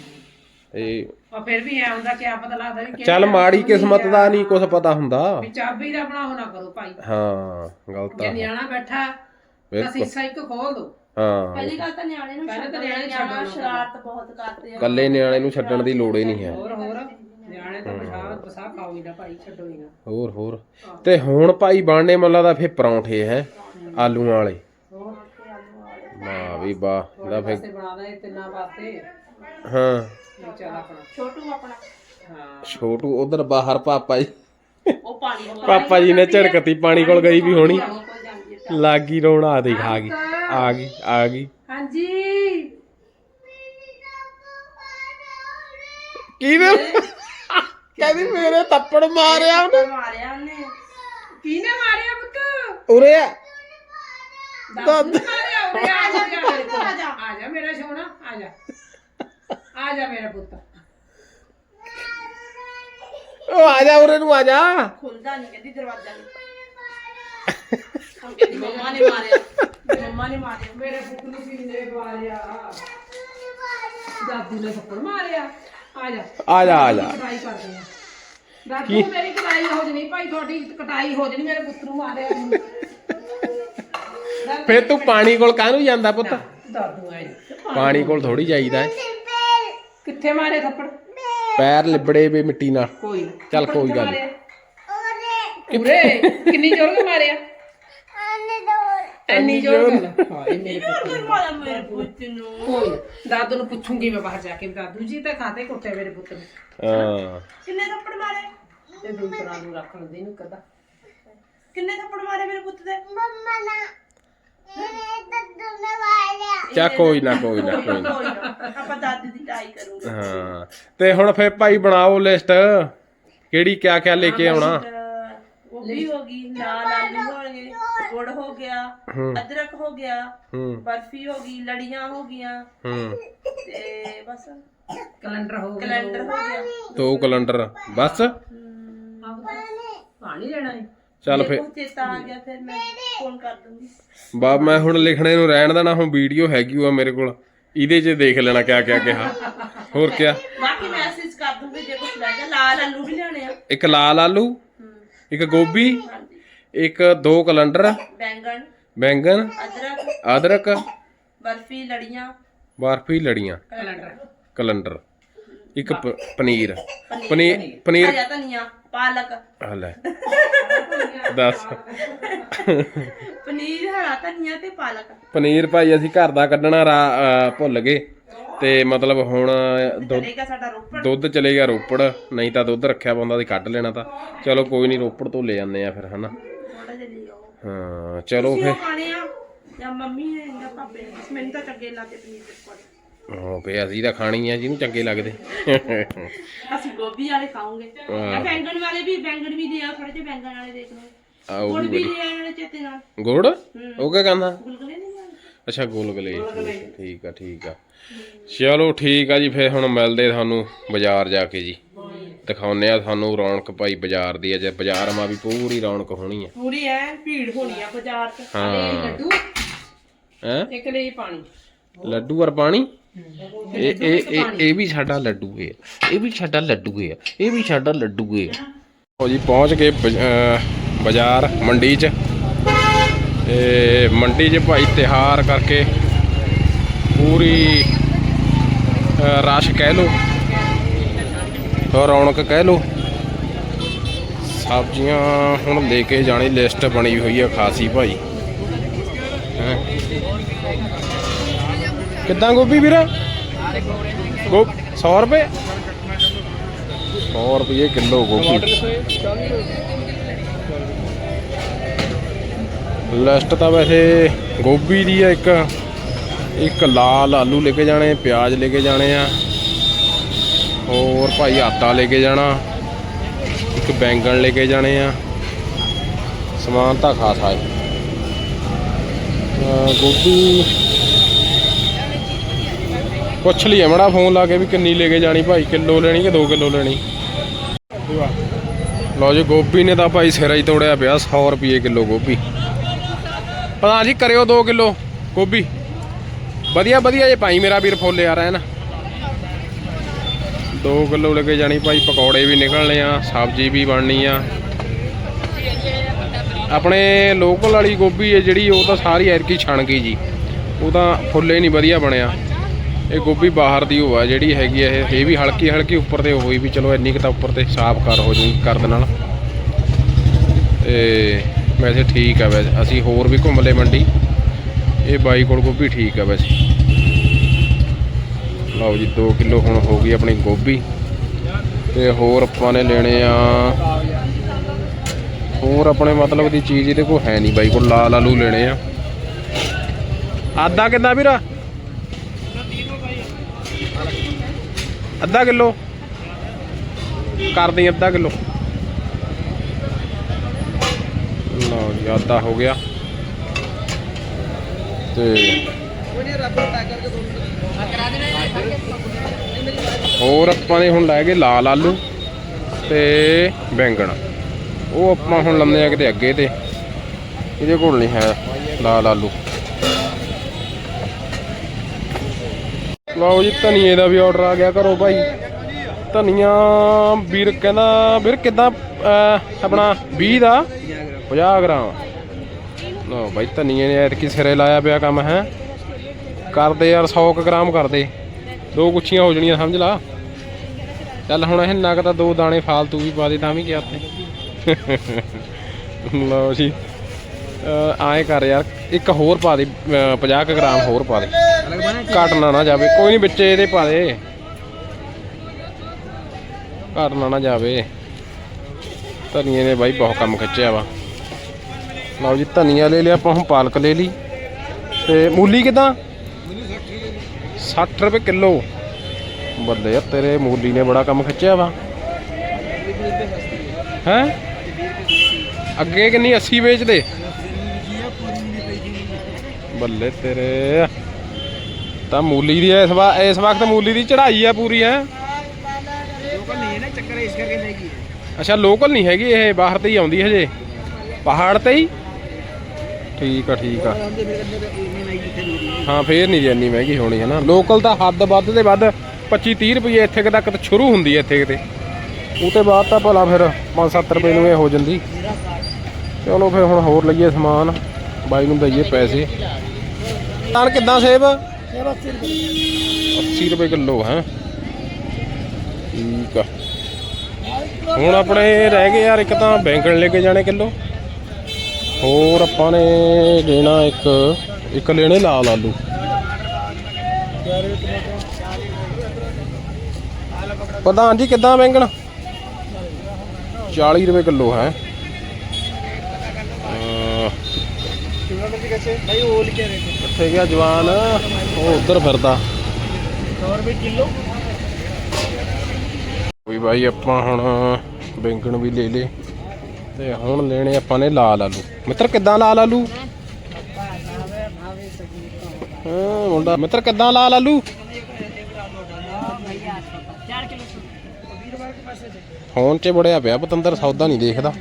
Speaker 1: ਤੇ
Speaker 2: ਆ ਫਿਰ ਵੀ ਐ ਹੁੰਦਾ ਕਿ ਆ ਪਤਾ ਲੱਗਦਾ ਵੀ
Speaker 1: ਚੱਲ ਮਾੜੀ ਕਿਸਮਤ ਦਾ ਨਹੀਂ ਕੁਝ ਪਤਾ ਹੁੰਦਾ
Speaker 2: ਵੀ ਚਾਬੀ ਦਾ ਬਣਾਓ ਨਾ ਕਰੋ ਭਾਈ
Speaker 1: ਹਾਂ ਗਲਤ
Speaker 2: ਜੇ
Speaker 1: ਆ
Speaker 2: ਨਿਆਣਾ ਬੈਠਾ ਤਾਂ
Speaker 1: ਬਿਲਕੁਲ
Speaker 2: ਸੀਸਾ ਇੱਕ ਖੋਲ ਦੋ
Speaker 1: ਹਾਂ
Speaker 3: ਪਹਿਲੀ ਗੱਲ ਤਾਂ ਨਿਆਣੇ ਨੂੰ
Speaker 2: ਪਹਿਲਾਂ ਤਾਂ
Speaker 3: ਛੱਡਣਾ
Speaker 2: ਨਿਆਣੇ
Speaker 3: ਨਿਆਣਾ
Speaker 2: ਛੱਡਣਾ
Speaker 3: ਸ਼ਰਾਰਤ ਬਹੁਤ ਕਰਦੇ ਆ
Speaker 1: ਕੱਲੇ ਨਿਆਣੇ ਨੂੰ ਛੱਡਣ ਦੀ ਲੋੜ ਹੀ ਨਹੀਂ ਹੈ
Speaker 2: ਹੋਰ ਹੋਰ ਨਿਆਣੇ ਤਾਂ ਬਸਾ ਬਸਾ ਖਾਓ ਹੀ ਨਾ ਭਾਈ ਛੱਡੋ ਹੀ ਨਾ
Speaker 1: ਹੋਰ ਹੋਰ ਤੇ ਹੁਣ ਭਾਈ ਬਣਨੇ ਮੱਲਾ ਦਾ ਫੇ ਪਰੌਂਠੇ ਹੈ ਆਲੂਆਂ ਵਾਲੇ
Speaker 2: ਹੋਰ
Speaker 1: ਵਾਹ ਵੀ ਵਾਹ ਇਹਦਾ ਫੇ
Speaker 2: ਵਾਸਤੇ ਬਣਾ ਦੇ ਤਿੰਨਾਂ ਵਾਸਤੇ
Speaker 1: ਹਾਂ
Speaker 2: ਚੱਲ ਆਪਣਾ
Speaker 3: ਛੋਟੂ ਆਪਣਾ
Speaker 2: ਹਾਂ
Speaker 1: ਛੋਟੂ ਉਧਰ ਬਾਹਰ ਪਾਪਾ ਜੀ
Speaker 3: ਉਹ ਪਾਣੀ ਕੋਲ
Speaker 1: ਪਾਪਾ ਜੀ ਨੇ ਝੜਕਤੀ ਪਾਣੀ ਕੋਲ ਗਈ ਵੀ ਹੋਣੀ
Speaker 3: ਕੋਲ ਜਾਂਦੀ ਹੈ
Speaker 1: ਲਾਗੀ ਰੋਣਾ ਆ ਦੇਖ ਆ ਗਈ ਆ ਗਈ ਆ ਗਈ
Speaker 2: ਹਾਂਜੀ
Speaker 1: ਕਿਹਨੇ ਕਹਿੰਦੀ ਮੇਰੇ ਥੱਪੜ ਮਾਰਿਆ ਉਹਨੇ
Speaker 3: ਮਾਰਿਆ ਉਹਨੇ
Speaker 2: ਕਿਹਨੇ ਮਾਰਿਆ ਪੁੱਤ
Speaker 1: ਉਰੇ ਆ
Speaker 2: ਦਾਦੂ ਨੇ ਮਾਰਿਆ ਉਰੇ ਆ ਜਾ ਮੇਰੇ
Speaker 3: ਪੁੱਤ,
Speaker 2: ਕੋਲ।
Speaker 3: ਆ ਜਾ।
Speaker 2: ਆ ਜਾ ਮੇਰਾ ਸੋਹਣਾ ਆ ਜਾ ਆ ਜਾ ਮੇਰਾ ਪੁੱਤ
Speaker 1: ਉਹ ਆ ਜਾ ਉਰੇ ਨੂੰ ਆ ਜਾ।
Speaker 3: ਖੁੱਲਦਾ ਨਹੀਂ ਕਹਿੰਦੀ ਦਰਵਾਜ਼ਾ ਨਹੀਂ ਹਮ ਕਹਿੰਦੀ ਮੰਮਾ ਨੇ ਮਾਰਿਆ ਮੰਮਾ ਨੇ ਮਾਰਿਆ
Speaker 2: ਮੇਰੇ ਪੁੱਤ ਨੂੰ ਕਿੰਨੇ ਮਾਰਿਆ ਦਾਦੂ ਨੇ ਥੱਪੜ ਮਾਰਿਆ ਆ ਜਾ
Speaker 1: ਆ ਜਾ ਆ ਜਾ।
Speaker 2: ਕਟਾਈ ਕਰਦੇ ਆ ਦਾਦੂ ਮੇਰੀ ਕਟਾਈ ਹੋ ਜਣੀ ਭਾਈ ਤੁਹਾਡੀ ਕਟਾਈ ਹੋ ਜਣੀ ਮੇਰੇ ਪੁੱਤ ਨੂੰ ਮਾਰਿਆ
Speaker 1: ਫੇਰ ਤੂੰ ਪਾਣੀ ਕੋਲ ਕਾਹਨੂੰ ਜਾਂਦਾ ਪੁੱਤ?
Speaker 2: ਦਾਦੂ ਆਏ
Speaker 1: ਪਾਣੀ ਕੋਲ ਥੋੜੀ ਜਾਈਦਾ ਹੈ।
Speaker 2: ਕਿੱਥੇ ਮਾਰੇ ਥੱਪੜ
Speaker 1: ਪੈਰ ਲਿਬੜੇ ਵੇ ਮਿੱਟੀ ਨਾਲ।
Speaker 2: ਕੋਈ ਨਾ
Speaker 1: ਚੱਲ ਕੋਈ ਗੱਲ ਨੀ।
Speaker 2: ਉਰੇ ਕਿੰਨੀ ਜ਼ੋਰ ਨਾਲ ਮਾਰਿਆ ਇੰਨੀ ਜ਼ੋਰ ਨਾਲ ਹਾਏ ਮੇਰੇ ਪੁੱਤ
Speaker 3: ਫਿਰ ਮਾਰਿਆ ਮੇਰੇ ਪੁੱਤ ਨੂੰ
Speaker 2: ਕੋਈ ਨਾ, ਦਾਦੂ ਨੂੰ ਪੁੱਛੂੰਗੀ ਮੈਂ ਬਾਹਰ ਜਾ ਕੇ ਦਾਦੂ ਜੀ ਤਾਂ ਖਾਤੇ ਕੁੱਟੇ ਮੇਰੇ ਪੁੱਤ ਨੂੰ
Speaker 1: ਹਾਂ
Speaker 3: ਕਿੰਨੇ ਥੱਪੜ ਮਾਰੇ
Speaker 2: ਤੇ ਦੂਸਰਾ ਨੂੰ ਰੱਖ ਲੈਂਦੇ ਨੂੰ ਕਦਾ
Speaker 3: ਕਿੰਨੇ ਥੱਪੜ ਮਾਰੇ ਮੇਰੇ ਪੁੱਤ ਦੇ
Speaker 1: ਚਾ ਕੋਈ ਨਾ ਕੋਈ ਨਾ ਕੋਈ ਨਾ।
Speaker 3: ਕੋਈ ਨਾ, ਆਪਾਂ ਦਾਦੀ ਦੀ ਟਾਈ ਕਰੂਗੇ
Speaker 1: ਹਾਂ ਤੇ ਹੁਣ ਫੇਰ ਭਾਈ ਬਣਾਓ ਲਿਸਟ ਕਿਹੜੀ ਕਿਆ ਕਿਆ ਲੈ ਕੇ ਆਉਣਾ।
Speaker 3: ਉਹ ਵੀ ਹੋ ਗਈ ਲਾਲ ਆਲੂ ਹੋ ਗਏ ਗੁੜ ਹੋ ਗਿਆ ਅਦਰਕ ਹੋ ਗਿਆ
Speaker 1: ਹੂੰ
Speaker 3: ਬਰਫੀ ਹੋ ਗਈ ਲੜੀਆਂ ਹੋ ਗਈਆਂ
Speaker 1: ਹੂੰ
Speaker 3: ਤੇ ਬਸ
Speaker 2: ਕੈਲੰਡਰ ਹੋ ਗਿਆ
Speaker 3: ਕੈਲੰਡਰ ਹੋ ਗਿਆ
Speaker 1: ਦੋ ਕੈਲੰਡਰ ਬਸ।
Speaker 2: ਪਾਣੀ ਲੈਣਾ ਹੈ
Speaker 1: ਚੱਲ
Speaker 3: ਮੇਰੇ
Speaker 1: ਫੇਰ
Speaker 3: ਕੋਲ ਚੇਤਾ ਆ ਗਿਆ ਫਿਰ ਮੈਂ ਫੋਨ ਕਰ ਦੂੰਗੀ
Speaker 1: ਬਾ ਮੈਂ ਹੁਣ ਲਿਖਣੇ ਨੂੰ ਰਹਿਣ ਦੇਣਾ। ਹੁਣ ਵੀਡੀਓ ਹੈਗੀ ਆ ਮੇਰੇ ਕੋਲ ਇਹਦੇ 'ਚ ਦੇਖ ਲੈਣਾ ਕਿਆ ਕਿਆ ਕਿਹਾ ਹੋਰ ਕਿਆ।
Speaker 3: ਬਾਕੀ ਮੈਸੇਜ ਕਰ ਦੂੰਗੀ ਜੇ ਕੁਝ ਰਹਿ ਗਿਆ ਲਾਲ ਆਲੂ ਵੀ ਲਿਆਣੇ ਆ
Speaker 1: ਇੱਕ ਲਾਲ ਆਲੂ ਇੱਕ ਗੋਭੀ
Speaker 3: ਹਾਂਜੀ
Speaker 1: ਇੱਕ ਦੋ ਕੈਲੰਡਰ
Speaker 3: ਬੈਂਗਣ
Speaker 1: ਬੈਂਗਨ
Speaker 3: ਅਦਰਕ
Speaker 1: ਅਦਰਕ
Speaker 3: ਬਰਫੀ ਲੜੀਆਂ
Speaker 1: ਬਰਫੀ ਲੜੀਆਂ
Speaker 2: ਕੈਲੰਡਰ
Speaker 1: ਕੈਲੰਡਰ ਇੱਕ ਪ- ਪਨੀਰ ਪਨੀਰ ਪਨੀਰ
Speaker 3: ਹਰਾ ਧਨੀਆ ਪਾਲਕ
Speaker 1: ਆ ਲੈ ਦੱਸ
Speaker 3: ਪਨੀਰ ਹਰਾ ਧਨੀਆ ਤੇ ਪਾਲਕ
Speaker 1: ਪਨੀਰ ਭਾਈ ਅਸੀਂ ਘਰ ਦਾ ਕੱਢਣਾ ਰਾ- ਅਹ ਭੁੱਲ ਗਏ ਤੇ ਮਤਲਬ ਹੁਣ ਦੁੱਧ
Speaker 3: ਚਲੇਗਾ ਸਾਡਾ ਰੋਪੜ
Speaker 1: ਦੁੱਧ ਚਲੇਗਾ ਰੋਪੜ ਨਹੀਂ ਤਾਂ ਦੁੱਧ ਰੱਖਿਆ ਪਾਉਂਦਾ ਸੀ ਕੱਢ ਲੈਣਾ ਤਾਂ ਚਲੋ ਕੋਈ ਨਹੀਂ ਰੋਪੜ ਤੋਂ ਲੈ ਜਾਂਦੇ ਆ ਫਿਰ ਹਨਾ।
Speaker 3: ਥੋੜਾ ਜਿਹਾ ਲਈ ਆਓ
Speaker 1: ਹਾਂ ਚਲੋ
Speaker 3: ਤੁਸੀਂ
Speaker 1: ਫਿਰ
Speaker 3: ਉਹ ਖਾਣੇ ਆ ਜਾਂ ਮੰਮੀ ਨੇ ਜਾਂ ਪਾਪੇ ਨੇ ਮੈਨੂੰ ਤਾਂ ਚੰਗੇ ਲੱਗਦੇ ਪਨੀਰ ਦੇ ਪਕੌੜੇ
Speaker 1: ਹਾਂ ਫੇ ਅਸੀਂ ਤਾਂ ਖਾਣੀ ਆ ਜਿਹਨੂੰ ਚੰਗੇ ਲੱਗਦੇ।
Speaker 3: ਅਸੀਂ ਗੋਭੀ ਵਾਲੇ ਖਾਵਾਂਗੇ ਜਾਂ ਬੈਂਗਣ ਵਾਲੇ ਵੀ ਬੈਂਗਣ ਵੀ ਦੇ ਆ ਥੋੜੇ ਜਿਹੇ ਬੈਂਗਣ ਵਾਲੇ ਦੇਖ ਲਓ
Speaker 1: ਆਓ
Speaker 3: ਗੁੜ ਵੀ ਲੈ ਆਣੇ ਚੇਤੇ ਨਾਲ
Speaker 1: ਗੁੜ ਉਹ ਕਿਆ ਕਹਿੰਦਾ?
Speaker 3: ਗੁਲਗੁਲੇ ਨਹੀਂ ਲੈਣੇ
Speaker 1: ਅੱਛਾ ਗੋਲਗਲੇ ਠੀਕ ਆ ਠੀਕ ਆ ਚਲੋ ਠੀਕ ਆ ਜੀ ਫਿਰ ਹੁਣ ਮਿਲਦੇ ਤੁਹਾਨੂੰ ਬਾਜ਼ਾਰ ਜਾ ਕੇ ਜੀ ਦਿਖਾਉਂਦੇ ਆ ਤੁਹਾਨੂੰ ਰੌਣਕ ਭਾਈ ਬਾਜ਼ਾਰ ਦੀ ਅਜੇ ਬਾਜ਼ਾਰ ਮਾ ਵੀ ਪੂਰੀ ਰੌਣਕ ਹੋਣੀ ਆ।
Speaker 3: ਪੂਰੀ ਐ ਭੀੜ ਹੋਣੀ ਆ ਬਾਜ਼ਾਰ 'ਚ
Speaker 1: ਹਾਂ
Speaker 2: ਲੱਡੂ
Speaker 1: ਹੈ
Speaker 2: ਇੱਕ ਲਈ ਪਾਣੀ
Speaker 1: ਲੱਡੂ ਔਰ ਪਾਣੀ ਇਹ ਇਹ ਇਹ ਇਹ ਵੀ ਸਾਡਾ ਲੱਡੂ ਹੈ ਇਹ ਵੀ ਸਾਡਾ ਲੱਡੂ ਹੈ ਇਹ ਵੀ ਸਾਡਾ ਲੱਡੂ ਹੈ। ਉਹ ਜੀ ਪਹੁੰਚ ਗਏ ਬਜ- ਅਹ ਬਾਜ਼ਾਰ ਮੰਡੀ 'ਚ ਤੇ ਮੰਡੀ 'ਚ ਭਾਈ ਤਿਉਹਾਰ ਕਰਕੇ ਪੂਰੀ ਅਹ ਰਸ਼ ਕਹਿ ਲੋ ਰੌਣਕ ਕਹਿ ਲੋ। ਸਬਜ਼ੀਆਂ ਹੁਣ ਲੈ ਕੇ ਜਾਣੀ ਲਿਸਟ ਬਣੀ ਹੋਈ ਆ ਖਾਸੀ ਭਾਈ ਹੈਂ। ਕਿੱਦਾਂ ਗੋਭੀ ਵੀਰ ਗੋ ਸੌ ਰੁਪਏ ਸੌ ਰੁਪਏ ਕਿਲੋ ਗੋਭੀ। ਲਿਸਟ ਤਾਂ ਵੈਸੇ ਗੋਭੀ ਦੀ ਆ। ਇੱਕ ਇੱਕ ਲਾਲ ਆਲੂ ਲੈ ਕੇ ਜਾਣੇ ਪਿਆਜ਼ ਲੈ ਕੇ ਜਾਣੇ ਆ ਹੋਰ ਭਾਈ ਆਟਾ ਲੈ ਕੇ ਜਾਣਾ ਇੱਕ ਬੈਂਗਣ ਲੈ ਕੇ ਜਾਣੇ ਆ ਸਮਾਨ ਤਾਂ ਖਾਸਾ ਹੈ। ਗੋਭੀ ਪੁੱਛ ਲਈ ਮੜਾ ਫੋਨ ਲਾ ਕੇ ਵੀ ਕਿੰਨੀ ਲੈ ਕੇ ਜਾਣੀ ਭਾਈ ਕਿਲੋ ਲੈਣੀ ਕਿ ਦੋ ਕਿਲੋ ਲੈਣੀ। ਲਓ ਜੀ ਗੋਭੀ ਨੇ ਤਾਂ ਭਾਈ ਸਿਰਾ ਹੀ ਤੋੜਿਆ ਪਿਆ ਸੌ ਰੁਪਏ ਕਿਲੋ ਗੋਭੀ। ਪਤਾ ਜੀ ਕਰਿਓ ਦੋ ਕਿਲੋ ਗੋਭੀ ਵਧੀਆ ਵਧੀਆ ਜੇ ਭਾਈ ਮੇਰਾ ਵੀਰ ਫੁੱਲ ਯਾਰ ਹੈ ਨਾ ਦੋ ਕਿਲੋ ਲੈ ਕੇ ਜਾਣੀ ਭਾਈ ਪਕੌੜੇ ਵੀ ਨਿਕਲਣੇ ਆ ਸਬਜ਼ੀ ਵੀ ਬਣਨੀ ਆ। ਆਪਣੇ ਲੋਕਲ ਵਾਲੀ ਗੋਭੀ ਹੈ ਜਿਹੜੀ ਉਹ ਤਾਂ ਸਾਰੀ ਐਰਕੀ ਛਣ ਗਈ ਜੀ ਉਹ ਤਾਂ ਫੁੱਲੇ ਨਹੀਂ ਵਧੀਆ ਬਣਿਆ। ਇਹ ਗੋਭੀ ਬਾਹਰ ਦੀ ਉਹ ਆ ਜਿਹੜੀ ਹੈਗੀ ਇਹ ਇਹ ਵੀ ਹਲਕੀ ਹਲਕੀ ਉੱਪਰ ਤੇ ਹੋਈ ਵੀ ਚਲੋ ਇੰਨੀ ਕੁ ਤਾਂ ਉੱਪਰ ਤੇ ਸਾਫ਼ ਕਰ ਹੋ ਜੂ ਕਰ ਦੇ ਨਾਲ ਤੇ ਵੈਸੇ ਠੀਕ ਆ। ਵੈਸੇ ਅਸੀਂ ਹੋਰ ਵੀ ਘੁੰਮ ਲਏ ਮੰਡੀ ਇਹ ਬਾਈ ਕੋਲ ਗੋਭੀ ਠੀਕ ਆ ਵੈਸੇ। ਲਓ ਜੀ ਦੋ ਕਿਲੋ ਹੁਣ ਹੋ ਗਈ ਆਪਣੀ ਗੋਭੀ ਤੇ ਹੋਰ ਆਪਾਂ ਨੇ ਲੈਣੇ ਆ ਹੋਰ ਆਪਣੇ ਮਤਲਬ ਦੀ ਚੀਜ਼ ਇਹਦੇ ਕੋਲ ਹੈ ਨਹੀਂ ਬਾਈ ਕੋਲ ਲਾਲ ਆਲੂ ਲੈਣੇ ਆ। ਆਦਾ ਕਿੰਨਾ ਵੀਰਾ ਅੱਧਾ ਕਿਲੋ ਕਰ ਦੇਂ ਅੱਧਾ ਕਿਲੋ। ਲਓ ਜੀ ਆਦਾ ਹੋ ਗਿਆ ਤੇ ਹੋਰ ਆਪਾਂ ਨੇ ਹੁਣ ਲੈ ਗਏ ਲਾਲ ਆਲੂ ਤੇ ਬੈਂਗਣ। ਉਹ ਆਪਾਂ ਹੁਣ ਲੰਮੇ ਆ ਕਿਤੇ ਅੱਗੇ, ਤੇ ਇਹਦੇ ਕੋਲ ਨਹੀਂ ਹੈ ਲਾਲ ਆਲੂ। ਲਓ ਜੀ ਧਨੀਏ ਦਾ ਵੀ ਆਰਡਰ ਆ ਗਿਆ ਘਰੋਂ ਭਾਈ। ਧਨੀਆ ਵੀਰ ਕਹਿੰਦਾ ਵੀਰ ਕਿੱਦਾਂ ਆਪਣਾ ਵੀਹ ਦਾ ਪੰਜਾਹ ਗ੍ਰਾਮ। ਲਓ ਭਾਈ ਧਨੀਏ ਨੇ ਐਤਕੀ ਸਿਰੇ ਲਾਇਆ ਪਿਆ ਕੰਮ ਹੈ। ਕਰਦੇ ਯਾਰ ਸੌ ਕੁ ਗ੍ਰਾਮ ਕਰਦੇ, ਦੋ ਗੁੱਛੀਆਂ ਹੋ ਜਾਣੀਆਂ ਸਮਝ ਲਾ। ਚੱਲ ਹੁਣ ਇਹ ਨਗ ਤਾਂ ਦੋ ਦਾਣੇ ਫਾਲਤੂ ਵੀ ਪਾ ਦੇ ਤਾਂ ਵੀ ਕਿਹਾ ਤੇ। ਲਓ ਜੀ ਆਏ ਕਰ ਯਾਰ, ਇੱਕ ਹੋਰ ਪਾ ਦੇ ਪੰਜਾਹ ਕੁ ਗ੍ਰਾਮ ਹੋਰ ਪਾ ਦੇ, ਘਟਣਾ ਨਾ ਜਾਵੇ। ਕੋਈ ਨਹੀਂ ਵਿੱਚ ਇਹਦੇ ਪਾ ਦੇ, ਘਟਣਾ ਨਾ ਜਾਵੇ। ਧਨੀਏ ਨੇ ਬਾਈ ਬਹੁਤ ਕੰਮ ਖਿੱਚਿਆ ਵਾ। ਲਓ ਜੀ ਧਨੀਆ ਲੈ ਲਿਆ ਆਪਾਂ, ਹੁਣ ਪਾਲਕ ਲੈ ਲਈ। ਤੇ ਮੂਲੀ ਕਿੱਦਾਂ? ਸੱਠ ਰੁਪਏ ਕਿਲੋ। ਬੱਲੇ ਯਾਰ ਤੇਰੇ ਮੂਲੀ ਨੇ ਬੜਾ ਕੰਮ ਖਿੱਚਿਆ ਵਾ ਹੈਂ। ਅੱਗੇ ਕਿੰਨੀ ਅੱਸੀ ਵੇਚਦੇ? ਬੱਲੇ ਤੇਰੇ ਤਾਂ ਮੂਲੀ ਦੀ ਇਸ ਵਾਰ ਇਸ ਵਕਤ ਮੂਲੀ ਦੀ ਚੜਾਈ ਆ ਪੂਰੀ ਹੈ। ਅੱਛਾ ਲੋਕਲ ਨਹੀਂ ਹੈਗੀ ਇਹ, ਬਾਹਰ ਤੇ ਹੀ ਆਉਂਦੀ ਹਜੇ, ਪਹਾੜ ਤੇ ਹੀ। ਠੀਕ ਆ ਠੀਕ ਆ ਹਾਂ, ਫੇਰ ਨਹੀਂ ਜੀ ਇੰਨੀ ਮਹਿੰਗੀ ਹੋਣੀ ਹੈ ਨਾ। ਲੋਕਲ ਤਾਂ ਹੱਦ ਵੱਧ ਤੇ ਵੱਧ ਪੱਚੀ ਤੀਹ ਰੁਪਏ ਇੱਥੇ ਤੱਕ ਸ਼ੁਰੂ ਹੁੰਦੀ ਹੈ ਇੱਥੇ ਕਿਤੇ, ਉਹ ਤੋਂ ਬਾਅਦ ਤਾਂ ਭਲਾ ਫਿਰ ਪੰਜ ਸੱਤ ਰੁਪਏ ਨੂੰ ਇਹ ਹੋ ਜਾਂਦੀ। ਚਲੋ ਫਿਰ ਹੁਣ ਹੋਰ ਲਈਏ ਸਮਾਨ, ਬਾਈ ਨੂੰ ਦਈਏ ਪੈਸੇ। ਤਾਂ ਕਿੱਦਾਂ ਸੇਬ? ਅੱਸੀ ਰੁਪਏ ਕਿਲੋ ਹੈ। ਠੀਕ ਆ ਹੁਣ ਆਪਣੇ ਰਹਿ ਗਏ ਯਾਰ ਇੱਕ ਤਾਂ ਬੈਂਗਣ ਲੈ ਕੇ ਜਾਣੇ ਕਿਲੋ, ਹੋਰ ਆਪਾਂ ਨੇ ਲੈਣਾ ਇੱਕ ਇੱਕ ਲੈਣੇ ਲਾਲ ਆਲੂ। ਪ੍ਰਧਾਨ ਜੀ ਕਿੱਦਾਂ ਬੈਂਗਣ? ਚਾਲੀ ਰੁਪਏ ਕਿਲੋ ਹੈ। ਕਿੱਥੇ ਗਿਆ ਜਵਾਨ? ਉਹ ਉੱਧਰ ਫਿਰਦਾ। ਕੋਈ ਬਾਈ ਆਪਾਂ ਹੁਣ ਬੈਂਗਣ ਵੀ ਲੈ ਲੇ, ਤੇ ਹੁਣ ਲੈਣੇ ਆਪਾਂ ਨੇ ਲਾਲ ਆਲੂ। ਮਿੱਤਰ ਕਿੱਦਾਂ ਲਾਲ ਆਲੂ? ਹਾਂ ਮੁੰਡਾ ਮਿੱਤਰ ਕਿੱਦਾਂ ਲਾਲ ਆਲੂ? ਫੋਨ 'ਚ ਬੜਿਆ ਪਿਆ ਪਤੰਦਰ, ਸੌਦਾ ਨਹੀਂ ਦੇਖਦਾ,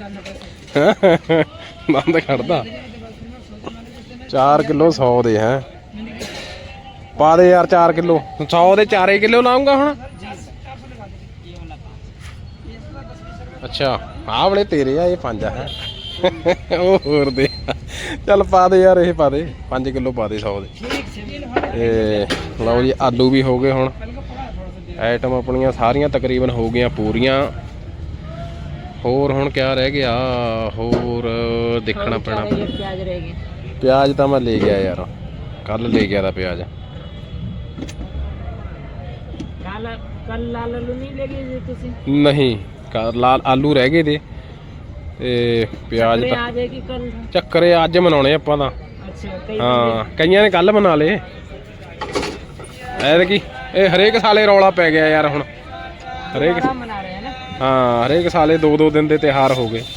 Speaker 1: ਬੰਦ ਕਰਦਾ। ਚਾਰ ਕਿਲੋ ਸੌ ਦੇ ਹੈ, ਪਾ ਦੇ ਯਾਰ ਚਾਰ ਕਿਲੋ। ਸੌ ਦੇ ਚਾਰੇ ਕਿਲੋ ਲਾਉਂਗਾ ਹੁਣ। ਅੱਛਾ ਆਹ ਵਾਲੇ ਤੇਰੇ ਆ, ਇਹ ਪੰਜ ਆ ਹੈ। ਉਹ ਹੋਰ ਦੇ, ਚੱਲ ਪਾ ਦੇ ਯਾਰ, ਇਹ ਪਾ ਦੇ ਪੰਜ ਕਿਲੋ ਪਾ ਦੇ ਸੌ ਦੇ। ਤੇ ਲਓ ਜੀ ਆਲੂ ਵੀ ਹੋ ਗਏ। ਹੁਣ ਆਈਟਮ ਆਪਣੀਆਂ ਸਾਰੀਆਂ ਤਕਰੀਬਨ ਹੋ ਗਈਆਂ ਪੂਰੀਆਂ। ਹੋਰ ਹੁਣ ਕਿਆ ਰਹਿ ਗਿਆ? ਹੋਰ ਦੇਖਣਾ ਪੈਣਾ।
Speaker 3: ਪਿਆਜ਼ ਰਹਿ ਗਏ।
Speaker 1: ਪਿਆਜ਼ ਤਾਂ ਮੈਂ ਲੈ ਗਿਆ ਯਾਰ, ਕੱਲ ਲੈ ਗਿਆ ਤਾਂ ਪਿਆਜ਼।
Speaker 3: ਕੱਲ ਲਾਲ ਆਲੂ ਨਹੀਂ ਲੈ ਗਏ ਤੁਸੀਂ?
Speaker 1: ਨਹੀਂ ਲਾਲ ਆਲੂ ਰਹਿ ਗਏ ਤੇ ਤੇ ਪਿਆਜ਼ ਤਾਂ
Speaker 3: ਆ ਜਾਏਗੀ ਕੱਲ।
Speaker 1: ਚੱਕਰੇ ਅੱਜ ਮਨਾਉਣੇ ਆਪਾਂ ਤਾਂ।
Speaker 3: ਅੱਛਾ
Speaker 1: ਹਾਂ ਕਈਆਂ ਨੇ ਕੱਲ ਬਣਾ ਲਏ ਐਤਕੀ। ਇਹ ਹਰੇਕ ਸਾਲੇ ਰੌਲਾ ਪੈ ਗਿਆ ਯਾਰ ਹੁਣ, ਹਰੇਕ
Speaker 3: ਮਨਾ ਰਹੇ ਨਾ।
Speaker 1: ਹਾਂ ਹਰੇਕ ਸਾਲੇ ਦੋ ਦੋ ਦਿਨ ਦੇ ਤਿਉਹਾਰ ਹੋ ਗਏ।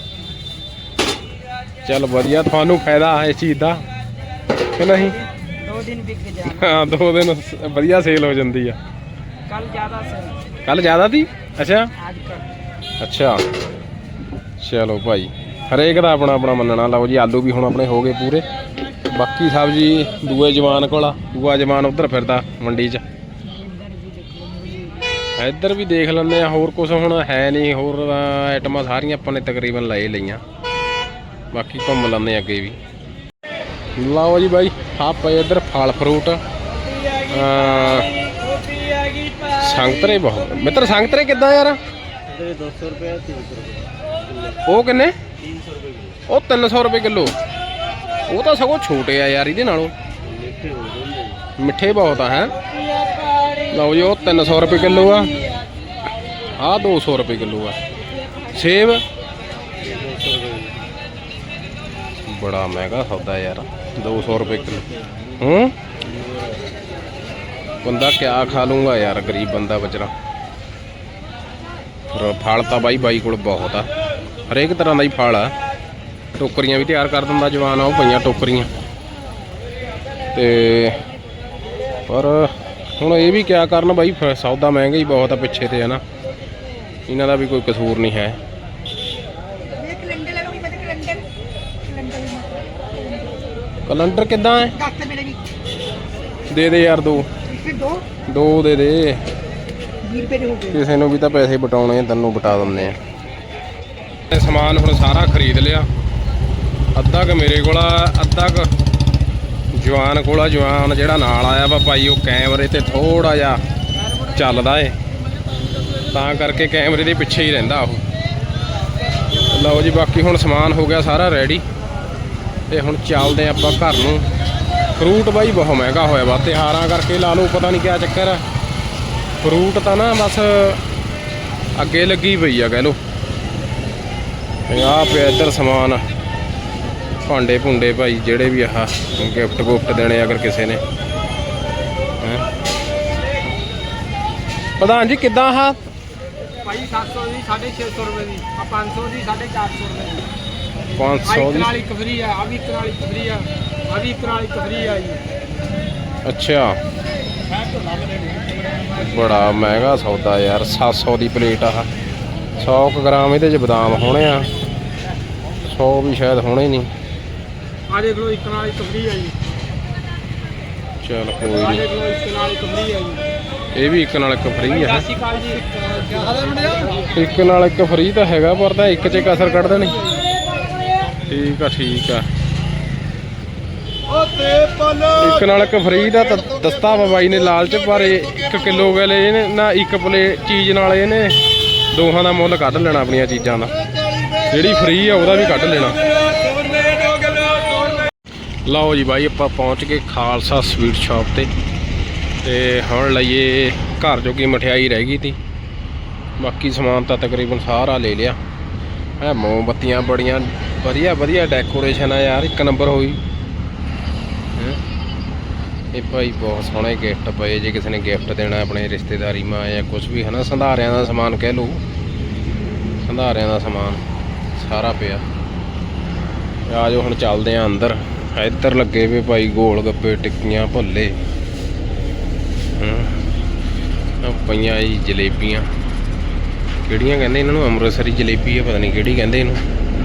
Speaker 1: ਚੱਲ ਵਧੀਆ, ਤੁਹਾਨੂੰ ਫਾਇਦਾ ਇਸ ਚੀਜ਼ ਦਾ ਕਿ ਨਹੀਂ?
Speaker 3: ਦੋ ਦਿਨ ਵਿਕ ਜਾਣਾ।
Speaker 1: ਹਾਂ ਦੋ ਦਿਨ ਵਧੀਆ ਸੇਲ ਹੋ ਜਾਂਦੀ ਆ।
Speaker 3: ਕੱਲ ਜ਼ਿਆਦਾ ਸੀ।
Speaker 1: ਕੱਲ ਜ਼ਿਆਦਾ ਸੀ? ਅੱਛਾ
Speaker 3: ਅੱਜ ਕੱਲ
Speaker 1: ਅੱਛਾ ਚਲੋ ਭਾਈ, ਹਰੇਕ ਦਾ ਆਪਣਾ ਆਪਣਾ ਮੰਨਣਾ। ਲਓ ਜੀ ਆਲੂ ਵੀ ਹੁਣ ਆਪਣੇ ਹੋ ਗਏ ਪੂਰੇ। ਬਾਕੀ ਸਬਜ਼ੀ ਦੂਏ ਜਵਾਨ ਕੋਲ ਆ, ਦੂਆ ਜਵਾਨ ਉੱਧਰ ਫਿਰਦਾ ਮੰਡੀ 'ਚ। ਇੱਧਰ ਵੀ ਦੇਖ ਲੈਂਦੇ ਆ, ਹੋਰ ਕੁਛ ਹੁਣ ਹੈ ਨਹੀਂ। ਹੋਰ ਆਈਟਮਾਂ ਸਾਰੀਆਂ ਆਪਾਂ ਨੇ ਤਕਰੀਬਨ ਲੈ ਲਈਆਂ, ਬਾਕੀ ਘੁੰਮ ਲੈਂਦੇ ਅੱਗੇ ਵੀ। ਲਓ ਜੀ ਬਾਈ ਆਹ ਪਏ ਇੱਧਰ ਫਲ ਫਰੂਟ। ਸੰਗਤਰੇ ਬਹੁਤ ਮਿੱਤਰ। ਸੰਗਤਰੇ ਕਿੱਦਾਂ ਯਾਰ?
Speaker 4: ਦੋ ਸੌ ਰੁਪਏ ਤਿੰਨ ਸੌ ਰੁਪਏ।
Speaker 1: ਉਹ ਕਿੰਨੇ?
Speaker 4: ਤਿੰਨ ਸੌ ਰੁਪਏ ਕਿਲੋ।
Speaker 1: ਉਹ ਤਿੰਨ ਸੌ ਰੁਪਏ ਕਿਲੋ। ਉਹ ਤਾਂ ਸਗੋਂ ਛੋਟੇ ਆ ਯਾਰ ਇਹਦੇ ਨਾਲੋਂ, ਮਿੱਠੇ ਬਹੁਤ ਆ ਹੈ। ਲਓ ਜੀ ਉਹ ਤਿੰਨ ਸੌ ਰੁਪਏ ਕਿਲੋ ਆ, ਆਹ ਦੋ ਸੌ ਰੁਪਏ ਕਿਲੋ ਆ। ਸੇਬ ਬੜਾ ਮਹਿੰਗਾ ਸੌਦਾ ਯਾਰ, ਦੋ ਸੌ ਰੁਪਏ ਕਿਲੋ। ਹੂੰ ਬੰਦਾ ਕਿਆ ਖਾ ਲੂੰਗਾ ਯਾਰ, ਗਰੀਬ ਬੰਦਾ ਵਿਚਾਰਾ। ਫਲ ਤਾਂ ਬਾਈ ਬਾਈ ਕੋਲ ਬਹੁਤ ਆ, ਹਰੇਕ ਤਰ੍ਹਾਂ ਦਾ ਹੀ ਫਲ ਆ। ਟੋਕਰੀਆਂ ਵੀ ਤਿਆਰ ਕਰ ਦਿੰਦਾ ਜਵਾਨ, ਆ ਉਹ ਪਈਆਂ ਟੋਕਰੀਆਂ। ਤੇ ਪਰ ਹੁਣ ਇਹ ਵੀ ਕਿਆ ਕਰਨ ਬਾਈ, ਫ- ਸੌਦਾ ਮਹਿੰਗਾ ਹੀ ਬਹੁਤ ਆ ਪਿੱਛੇ ਤੇ, ਹੈ ਨਾ। ਇਹਨਾਂ ਦਾ ਵੀ ਕੋਈ ਕਸੂਰ ਨਹੀਂ ਹੈ। ਕੈਲੰਡਰ ਕਿੱਦਾਂ ਹੈ? ਦੇ ਦੇ ਯਾਰ, ਦੋ ਦੋ ਦੇ ਦੇ। ਕਿਸੇ ਨੂੰ ਵੀ ਤਾਂ ਪੈਸੇ ਬਟਾਉਣੇ, ਤੈਨੂੰ ਬਟਾ ਦਿੰਦੇ ਆ। ਸਮਾਨ ਹੁਣ ਸਾਰਾ ਖਰੀਦ ਲਿਆ। ਅੱਧਾ ਕੁ ਮੇਰੇ ਕੋਲ ਆ, ਅੱਧਾ ਕੁ ਜਵਾਨ ਕੋਲ ਆ। ਜਵਾਨ ਜਿਹੜਾ ਨਾਲ ਆਇਆ ਵਾ ਭਾਈ, ਉਹ ਕੈਮਰੇ ਤੇ ਥੋੜਾ ਜਿਹਾ ਚੱਲਦਾ ਏ, ਤਾਂ ਕਰਕੇ ਕੈਮਰੇ ਦੇ ਪਿੱਛੇ ਹੀ ਰਹਿੰਦਾ ਉਹ। ਲਓ ਜੀ, ਬਾਕੀ ਹੁਣ ਸਮਾਨ ਹੋ ਗਿਆ ਸਾਰਾ ਰੈਡੀ, ਤੇ ਹੁਣ ਚੱਲਦੇ ਆਪਾਂ ਘਰ ਨੂੰ। ਫਰੂਟ ਬਾਈ ਬਹੁਤ ਮਹਿੰਗਾ ਹੋਇਆ ਵਾ, ਤਿਉਹਾਰਾਂ ਕਰਕੇ ਲਾ ਲਓ, ਪਤਾ ਨਹੀਂ ਕਿਆ ਚੱਕਰ ਆ। ਫਰੂਟ ਤਾਂ ਨਾ ਬਸ ਅੱਗੇ ਲੱਗੀ ਪਈ ਆ ਕਹਿ ਲਓ। ਆਹ ਪਿਆ ਇੱਧਰ ਸਮਾਨ, ਭਾਂਡੇ ਭੁੰਡੇ ਭਾਈ, ਜਿਹੜੇ ਵੀ ਆਹ ਗਿਫਟ ਗੁਫਟ ਦੇਣੇ ਅਗਰ ਕਿਸੇ ਨੇ। ਹੈਂ ਪ੍ਰਧਾਨ ਜੀ ਕਿੱਦਾਂ ਆਹ
Speaker 5: ਭਾਈ ਸੱਤ ਸੌ ਦੀ ਸਾਢੇ ਛੇ ਸੌ ਰੁਪਏ ਦੀ, ਆ ਪੰਜ ਸੌ ਦੀ ਸਾਢੇ ਚਾਰ ਸੌ ਰੁਪਏ ਦੀ।
Speaker 1: ਪੰਜ
Speaker 5: ਆ
Speaker 1: ਸੌ
Speaker 5: ਇੱਕ
Speaker 1: ਦੀ?
Speaker 5: ਨਾਲ ਇੱਕ ਫਰੀ ਆ, ਆ ਵੀ ਇੱਕ ਨਾਲ ਇੱਕ ਫਰੀ ਆ, ਆ ਵੀ ਇੱਕ ਨਾਲ ਇੱਕ ਫਰੀ ਆ ਜੀ।
Speaker 1: ਅੱਛਾ, ਬੜਾ ਮਹਿੰਗਾ ਸੌਦਾ ਯਾਰ। ਸੱਤ ਸੌ ਦੀ ਪਲੇਟ ਆਹ, ਸੌ ਕੁ ਗ੍ਰਾਮ ਇਹਦੇ 'ਚ ਬਦਾਮ ਹੋਣੇ ਆ, ਸੌ ਵੀ ਸ਼ਾਇਦ ਹੋਣੇ ਨਹੀਂ।
Speaker 5: ਆ ਦੇਖ ਲਓ, ਇੱਕ ਨਾਲ ਇੱਕ ਫਰੀ ਆ ਜੀ।
Speaker 1: ਚੱਲ ਕੋਈ
Speaker 5: ਆ
Speaker 1: ਨਹੀਂ,
Speaker 5: ਦੇਖ ਲਓ, ਇੱਕ ਨਾਲ ਇੱਕ ਫਰੀ ਆ ਜੀ।
Speaker 1: ਇਹ ਵੀ ਇੱਕ ਨਾਲ ਇੱਕ ਫਰੀ ਆ।
Speaker 5: ਸਤਿ ਸ਼੍ਰੀ ਅਕਾਲ ਜੀ।
Speaker 1: ਇੱਕ ਨਾਲ ਇੱਕ ਫਰੀ ਤਾਂ ਹੈਗਾ, ਪਰ ਤਾਂ ਇੱਕ 'ਚ ਕਸਰ ਕੱਢ ਦੇਣੀ। ਠੀਕ ਆ ਠੀਕ ਆ, ਇੱਕ ਨਾਲ ਇੱਕ ਫਰੀ ਦਾ ਤਾਂ ਦਸਤਾ ਵਾ ਬਾਈ ਨੇ ਲਾਲਚ, ਪਰ ਇੱਕ ਕਿਲੋ ਗਲੇ ਇਹਨੇ ਨਾ, ਇੱਕ ਪਲੇਟ ਚੀਜ਼ ਨਾਲ ਇਹਨੇ ਦੋਹਾਂ ਦਾ ਮੁੱਲ ਕੱਢ ਲੈਣਾ ਆਪਣੀਆਂ ਚੀਜ਼ਾਂ ਦਾ। ਜਿਹੜੀ ਫਰੀ ਆ ਉਹਦਾ ਵੀ ਕੱਢ ਲੈਣਾ। ਲਓ ਜੀ ਬਾਈ, ਆਪਾਂ ਪਹੁੰਚ ਗਏ ਖਾਲਸਾ ਸਵੀਟ ਸ਼ਾਪ ਤੇ, ਤੇ ਹੁਣ ਲਈਏ ਘਰ ਜੋਗੀ ਮਠਿਆਈ ਰਹਿ ਗਈ ਤੀ। ਬਾਕੀ ਸਮਾਨ ਤਾਂ ਤਕਰੀਬਨ ਸਾਰਾ ਲੈ ਲਿਆ ਹੈ। ਮੋਮਬੱਤੀਆਂ ਬੜੀਆਂ ਵਧੀਆ ਵਧੀਆ ਡੈਕੋਰੇਸ਼ਨ ਆ ਯਾਰ, ਇੱਕ ਨੰਬਰ ਹੋਈ। ਇਹ ਭਾਈ ਬਹੁਤ ਸੋਹਣੇ ਗਿਫਟ ਪਏ, ਜੇ ਕਿਸੇ ਨੇ ਗਿਫਟ ਦੇਣਾ ਆਪਣੇ ਰਿਸ਼ਤੇਦਾਰੀ ਮਾਂ ਜਾਂ ਕੁਝ ਵੀ ਹੈ ਨਾ। ਸੰਧਾਰਿਆਂ ਦਾ ਸਮਾਨ ਕਹਿ ਲਓ, ਸੰਧਾਰਿਆਂ ਦਾ ਸਮਾਨ ਸਾਰਾ ਪਿਆ। ਆ ਜਾਓ ਹੁਣ ਚੱਲਦੇ ਆ ਅੰਦਰ। ਇੱਧਰ ਲੱਗੇ ਵੇ ਭਾਈ ਗੋਲ ਗੱਪੇ, ਟਿੱਕੀਆਂ, ਭੁੱਲੇ, ਹਾਂ ਪਈਆਂ ਜੀ ਜਲੇਬੀਆਂ। ਕਿਹੜੀਆਂ ਕਹਿੰਦੇ ਇਹਨਾਂ ਨੂੰ? ਅੰਮ੍ਰਿਤਸਰੀ ਜਲੇਬੀ ਆ, ਪਤਾ ਨਹੀਂ ਕਿਹੜੀ ਕਹਿੰਦੇ ਇਹਨੂੰ।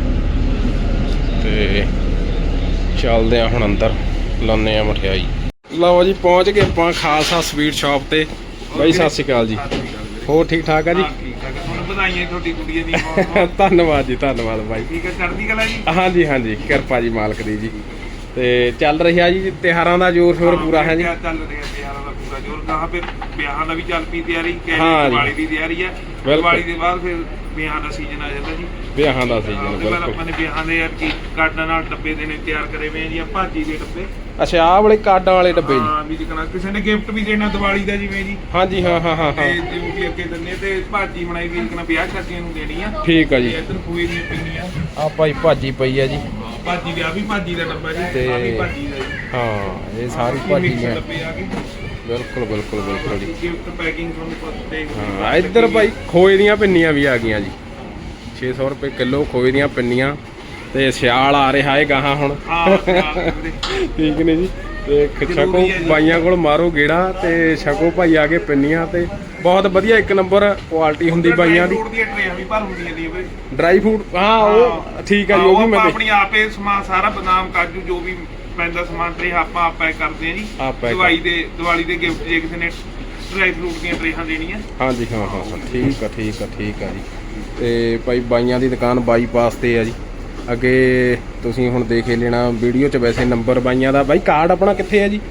Speaker 1: ਤੇ ਚੱਲਦੇ ਆ ਹੁਣ ਅੰਦਰ, ਲਾਉਂਦੇ ਆ ਮਠਿਆਈ। ਲਓ ਜੀ, ਪਹੁੰਚ ਗਏ ਆਪਾਂ ਖਾਲਸਾ ਸਵੀਟ ਸ਼ਾਪ ਤੇ। ਬਾਈ ਸਤਿ ਸ਼੍ਰੀ ਅਕਾਲ ਜੀ, ਹੋਰ ਠੀਕ ਠਾਕ ਆ ਜੀ?
Speaker 6: ਤੁਹਾਨੂੰ ਵਧਾਈਆਂ ਤੁਹਾਡੀ ਕੁੜੀ ਦੀ।
Speaker 1: ਧੰਨਵਾਦ ਜੀ, ਧੰਨਵਾਦ ਬਾਈ।
Speaker 6: ਠੀਕ ਹੈ, ਚੜ੍ਹਦੀ ਕਲਾ ਜੀ।
Speaker 1: ਹਾਂਜੀ ਹਾਂਜੀ, ਕਿਰਪਾ ਜੀ ਮਾਲਕ ਦੀ ਜੀ। ਤੇ ਚੱਲ ਰਿਹਾ ਜੀ ਤਿਉਹਾਰਾਂ ਦਾ ਜ਼ੋਰ ਸ਼ੋਰ ਪੂਰਾ ਹੈ ਜੀ।
Speaker 6: ਚੱਲ ਰਿਹਾ ਤਿਉਹਾਰਾਂ ਦਾ ਪੂਰਾ ਜ਼ੋਰ। ਕਹਾਂ ਫਿਰ ਵਿਆਹਾਂ ਦਾ ਵੀ ਚੱਲ ਪਈ ਤਿਆਰੀ,
Speaker 1: ਹਾਂ ਜੀ।
Speaker 6: ਦੀਵਾਲੀ ਦੀ ਤਿਆਰੀ ਹੈ।
Speaker 1: ਬਿਲਕੁਲ।
Speaker 6: ਦੀਵਾਲੀ ਦੇ ਬਾਅਦ ਫਿਰ ਵਿਆਹਾਂ ਦਾ ਸੀਜ਼ਨ ਆ ਜਾਂਦਾ ਜੀ।
Speaker 1: ਵਿਆਹਾਂ ਦਾ ਸੀਜ਼ਨ
Speaker 6: ਉਹਦੇ ਬਾਅਦ
Speaker 1: ਬਿਲਕੁਲ।
Speaker 6: ਆਪਾਂ ਨੇ ਵਿਆਹਾਂ ਦੇ ਯਾਰ ਕੀ ਕਾਰਡਾਂ ਨਾਲ ਡੱਬੇ ਦੇਣੇ ਤਿਆਰ ਕਰੇ ਹੋਏ ਆ ਜੀ, ਭਾਜੀ ਦੇ ਡੱਬੇ।
Speaker 1: ਅੱਛਾ, ਆਹ ਵਾਲੇ ਕਾਰਡਾਂ ਵਾਲੇ ਡੱਬੇ ਜੀ?
Speaker 6: ਹਾਂ ਵੀ ਜਿਕਣਾ ਕਿਸੇ ਨੇ ਗਿਫਟ ਵੀ ਦੇਣਾ ਦੀਵਾਲੀ ਦਾ, ਜਿਵੇਂ ਜੀ।
Speaker 1: ਹਾਂਜੀ ਹਾਂ ਹਾਂ ਹਾਂ
Speaker 6: ਤੇ
Speaker 1: ਹਾਂ,
Speaker 6: ਜਿਵੇਂ ਵੀ ਅੱਗੇ ਦਿੰਨੇ, ਤੇ ਭਾਜੀ ਬਣਾਈ ਵੀ ਜਿਕਣਾ ਵਿਆਹ ਸ਼ਾਦੀਆਂ ਨੂੰ ਦੇਣੀ ਆ।
Speaker 1: ਠੀਕ ਆ ਜੀ।
Speaker 6: ਤੇ ਇੱਧਰ ਖੋਏ ਦੀਆਂ ਪਿੰਨੀਆਂ।
Speaker 1: ਆਹ ਭਾਈ ਭਾਜੀ ਪਈ ਆ ਜੀ।
Speaker 6: ਭਾਜੀ ਵਿਆਹ ਵੀ ਭਾਜੀ ਦਾ ਡੱਬਾ ਜੀ,
Speaker 1: ਤੇ
Speaker 6: ਆ ਵੀ ਭਾਜੀ ਦਾ ਜੀ।
Speaker 1: ਹਾਂ, ਇਹ ਸਾਰੀ ਭਾਜੀ
Speaker 6: ਮਿਕਸ
Speaker 1: ਮੈਂ
Speaker 6: ਡੱਬੇ ਆ ਗਏ।
Speaker 1: ਬਿਲਕੁਲ ਬਿਲਕੁਲ ਬਿਲਕੁਲ ਜੀ।
Speaker 6: ਗਿਫਟ ਪੈਕਿੰਗ ਤੁਹਾਨੂੰ ਪਤਾ ਦੇਖ।
Speaker 1: ਹਾਂ, ਇੱਧਰ ਭਾਈ ਖੋਏ ਦੀਆਂ ਪਿੰਨੀਆਂ ਵੀ ਆ ਗਈਆਂ ਜੀ। ਛੇ ਸੌ ਰੁਪਏ ਕਿਲੋ ਖੋਏ ਦੀਆਂ ਪਿੰਨੀਆਂ। ਤੇ ਸਿਆਲ ਆ ਰਿਹਾ ਹੈ ਗਾਹਾਂ ਹੁਣ।
Speaker 6: ਹਾਂ ਵੀਰੇ।
Speaker 1: ਠੀਕ ਨੇ ਜੀ। ਤੇ ਛਕੋ ਬਾਈਆਂ ਕੋਲ ਮਾਰੋ ਗੇੜਾ, ਤੇ ਛਕੋ ਭਾਈ ਆ ਕੇ ਪਿੰਨੀਆਂ। ਤੇ ਬਹੁਤ ਵਧੀਆ ਇੱਕ ਨੰਬਰ ਕੁਆਲਿਟੀ ਹੁੰਦੀ ਬਾਈਆਂ ਦੀ।
Speaker 6: ਫਰੂਟ ਦੀਆਂ ਟਰੇਆਂ ਵੀ ਭਰ ਹੁੰਦੀਆਂ ਨੇ ਵੀਰੇ।
Speaker 1: ਡਰਾਈ ਫਰੂਟ, ਹਾਂ ਉਹ ਠੀਕ ਆ ਜੀ, ਉਹ ਵੀ ਮੈਂ
Speaker 6: ਆਪਾਂ ਆਪਣੀ ਆਪੇ ਸਮਾਨ ਸਾਰਾ ਬਦਾਮ ਕਾਜੂ ਜੋ ਵੀ ਪੈਂਦਾ ਸਮਾਨ ਟਰੇ ਆਪਾਂ ਆਪ ਪੈਕ ਕਰਦੇ ਆ ਜੀ।
Speaker 1: ਆਪ pack
Speaker 6: ਦਵਾਈ ਦੇ ਦੀਵਾਲੀ ਦੇ ਗਿਫਟ ਜੇ ਕਿਸੇ ਨੇ ਡਰਾਈ ਫਰੂਟ ਦੀਆਂ ਟਰੇਆਂ ਦੇਣੀਆਂ।
Speaker 1: ਹਾਂਜੀ ਹਾਂ ਹਾਂ ਹਾਂ, ਠੀਕ ਆ ਠੀਕ ਆ ਠੀਕ ਆ ਜੀ। ਤੇ ਭਾਈ ਬਾਈਆਂ ਦੀ ਦੁਕਾਨ ਬਾਈਪਾਸ ਤੇ ਆ ਜੀ। ਅੱਗੇ ਤੁਸੀਂ ਹੁਣ ਦੇਖ ਹੀ ਲੈਣਾ ਵੀਡੀਓ 'ਚ ਵੈਸੇ ਨੰਬਰ ਬਾਈਆਂ ਦਾ। ਬਾਈ ਕਾਰਡ ਆਪਣਾ ਕਿੱਥੇ ਹੈ ਜੀ?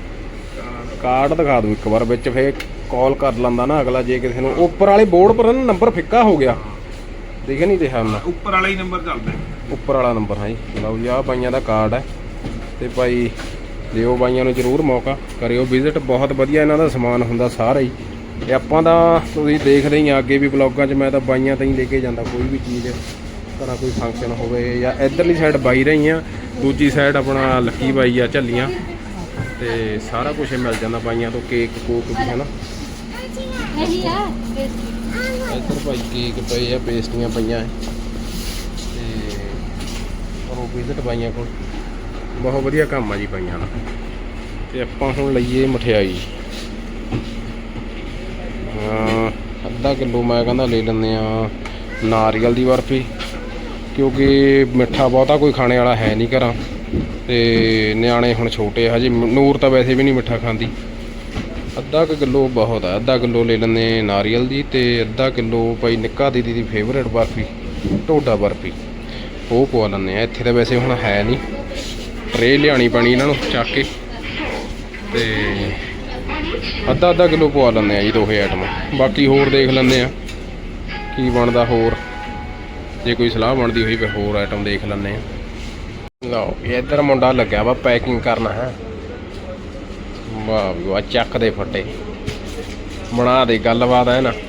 Speaker 1: ਕਾਰਡ ਦਿਖਾ ਦਿਓ ਇੱਕ ਵਾਰ, ਵਿੱਚ ਫੇਰ ਕਾਲ ਕਰ ਲੈਂਦਾ ਨਾ ਅਗਲਾ ਜੇ ਕਿਸੇ ਨੂੰ। ਉੱਪਰ ਵਾਲੇ ਬੋਰਡ ਪਰ ਨਾ ਨੰਬਰ ਫਿੱਕਾ ਹੋ ਗਿਆ, ਦਿਖ ਨਹੀਂ ਰਿਹਾ ਨਾ।
Speaker 6: ਉੱਪਰ ਵਾਲਾ ਹੀ ਨੰਬਰ ਚੱਲਦਾ।
Speaker 1: ਉੱਪਰ ਵਾਲਾ ਨੰਬਰ ਹਾਂ ਜੀ। ਲਓ ਜੀ, ਆਹ ਬਾਈਆਂ ਦਾ ਕਾਰਡ ਹੈ। ਤੇ ਭਾਈ ਦਿਓ ਬਾਈਆਂ ਨੂੰ ਜ਼ਰੂਰ ਮੌਕਾ, ਕਰਿਓ ਵਿਜ਼ਿਟ। ਬਹੁਤ ਵਧੀਆ ਇਹਨਾਂ ਦਾ ਸਮਾਨ ਹੁੰਦਾ ਸਾਰਾ ਹੀ। ਤੇ ਆਪਾਂ ਤਾਂ ਤੁਸੀਂ ਦੇਖਦੇ ਹੀ ਆ ਅੱਗੇ ਵੀ ਬਲੌਗਾਂ 'ਚ, ਮੈਂ ਤਾਂ ਬਾਈਆਂ ਤਾਂ ਹੀ ਲੈ ਕੇ ਜਾਂਦਾ ਕੋਈ ਵੀ ਚੀਜ਼। ਘਰਾਂ ਕੋਈ ਫੰਕਸ਼ਨ ਹੋਵੇ ਜਾਂ ਇੱਧਰਲੀ ਸਾਈਡ ਬਾਈ ਰਹੀ ਆ, ਦੂਜੀ ਸਾਈਡ ਆਪਣਾ ਲੱਕੀ ਬਾਈ ਆ ਝੱਲੀਆਂ। ਤੇ ਸਾਰਾ ਕੁਝ ਮਿਲ ਜਾਂਦਾ ਬਾਈਆਂ ਤੋਂ, ਕੇਕ ਕੋਕ ਵੀ ਹੈ ਨਾ। ਇੱਧਰ ਭਾਈ ਕੇਕ ਪਏ ਆ, ਪੇਸਟੀਆਂ ਪਈਆਂ। ਤੇ ਉਹ ਵਿਜ਼ਿਟ ਬਾਈਆਂ ਕੋਲ, ਬਹੁਤ ਵਧੀਆ ਕੰਮ ਆ ਜੀ ਬਾਈਆਂ ਦਾ। ਤੇ ਆਪਾਂ ਹੁਣ ਲਈਏ ਮਠਿਆਈ। ਹਾਂ, ਅੱਧਾ ਕਿਲੋ ਮੈਂ ਕਹਿੰਦਾ ਲੈ ਲੈਂਦੇ ਆ ਨਾਰੀਅਲ ਦੀ ਬਰਫੀ, ਕਿਉਂਕਿ ਮਿੱਠਾ ਬਹੁਤਾ ਕੋਈ ਖਾਣੇ ਵਾਲਾ ਹੈ ਨਹੀਂ ਘਰਾਂ, ਤੇ ਨਿਆਣੇ ਹੁਣ ਛੋਟੇ ਹਜੇ, ਨੂਰ ਤਾਂ ਵੈਸੇ ਵੀ ਨਹੀਂ ਮਿੱਠਾ ਖਾਂਦੀ। ਅੱਧਾ ਕੁ ਕਿਲੋ ਬਹੁਤ ਆ, ਅੱਧਾ ਕਿਲੋ ਲੈ ਲੈਂਦੇ ਨਾਰੀਅਲ ਦੀ, ਤੇ ਅੱਧਾ ਕਿਲੋ ਭਾਈ ਨਿੱਕਾ ਦੀਦੀ ਦੀ ਫੇਵਰੇਟ ਬਰਫੀ ਢੋਡਾ ਬਰਫੀ, ਉਹ ਪਵਾ ਲੈਂਦੇ ਆ। ਇੱਥੇ ਤਾਂ ਵੈਸੇ ਹੁਣ ਹੈ ਨਹੀਂ, ਟਰੇ ਲਿਆਉਣੀ ਪੈਣੀ ਇਹਨਾਂ ਨੂੰ ਚੱਕ ਕੇ, ਤੇ ਅੱਧਾ ਅੱਧਾ ਕਿਲੋ ਪਵਾ ਲੈਂਦੇ ਆ ਜੀ ਦੋਹੇ ਆਈਟਮਾਂ। ਬਾਕੀ ਹੋਰ ਦੇਖ ਲੈਂਦੇ ਆ ਕੀ ਬਣਦਾ, ਹੋਰ ਜੇ ਕੋਈ ਸਲਾਹ ਬਣਦੀ ਹੋਈ ਫਿਰ ਹੋਰ ਆਈਟਮ ਦੇਖ ਲੈਂਦੇ ਆ। ਲਓ ਇੱਧਰ ਮੁੰਡਾ ਲੱਗਿਆ ਵਾ ਪੈਕਿੰਗ ਕਰਨਾ ਹੈ। ਵਾਹ ਵੀ ਵਾਹ, ਚੱਕ ਦੇ ਫੱਟੇ, ਬਣਾ ਦੇ ਗੱਲਬਾਤ ਹੈ ਨਾ।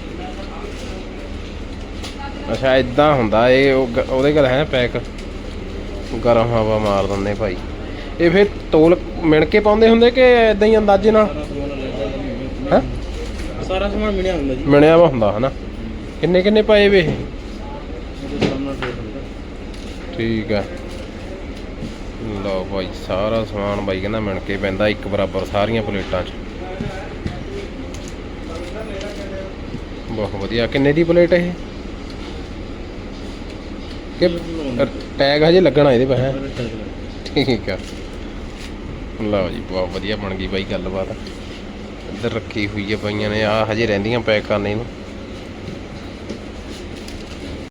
Speaker 1: ਅੱਛਾ ਇਦਾਂ ਹੁੰਦਾ ਇਹ, ਉਹ ਗ- ਉਹਦੇ ਕੋਲ ਹੈ ਪੈਕ, ਗਰਮ ਹਵਾ ਮਾਰ ਦਿੰਦੇ ਭਾਈ। ਇਹ ਫਿਰ ਤੋਲ ਮਿਣ ਕੇ ਪਾਉਂਦੇ ਹੁੰਦੇ ਕਿ ਇਦਾਂ ਹੀ ਅੰਦਾਜ਼ੇ ਨਾਲ? ਹੈ
Speaker 4: ਸਾਰਾ ਸਮਾਨ ਮਿਲਿਆ ਹੁੰਦਾ ਜੀ,
Speaker 1: ਮਿਣਿਆ ਵਾ ਹੁੰਦਾ ਹਨਾ। ਕਿੰਨੇ ਕਿੰਨੇ ਪਾਏ ਵੇ ਇਹ?
Speaker 4: ਉਹਦੇ ਸਾਹਮਣੇ ਰੇਟ ਹੁੰਦਾ।
Speaker 1: ਠੀਕ ਆ, ਲਓ ਭਾਈ ਸਾਰਾ ਸਮਾਨ ਬਾਈ ਕਹਿੰਦਾ ਮਿਣ ਕੇ ਪੈਂਦਾ ਇੱਕ ਬਰਾਬਰ ਸਾਰੀਆਂ ਪਲੇਟਾਂ 'ਚ। ਬਹੁਤ ਵਧੀਆ। ਕਿੰਨੇ ਦੀ ਪਲੇਟ ਇਹ? ਕਿ ਟੈਗ ਹਜੇ ਲੱਗਣਾ ਇਹਦੇ ਪਾ ਹੈ? ਠੀਕ ਆ, ਲਓ ਜੀ ਬਹੁਤ ਵਧੀਆ ਬਣ ਗਈ ਬਾਈ ਗੱਲਬਾਤ। ਇੱਧਰ ਰੱਖੀ ਹੋਈ ਹੈ ਪਈਆਂ ਨੇ, ਆਹ ਹਜੇ ਰਹਿੰਦੀਆਂ ਪੈਕ ਕਰਨੇ ਨੂੰ।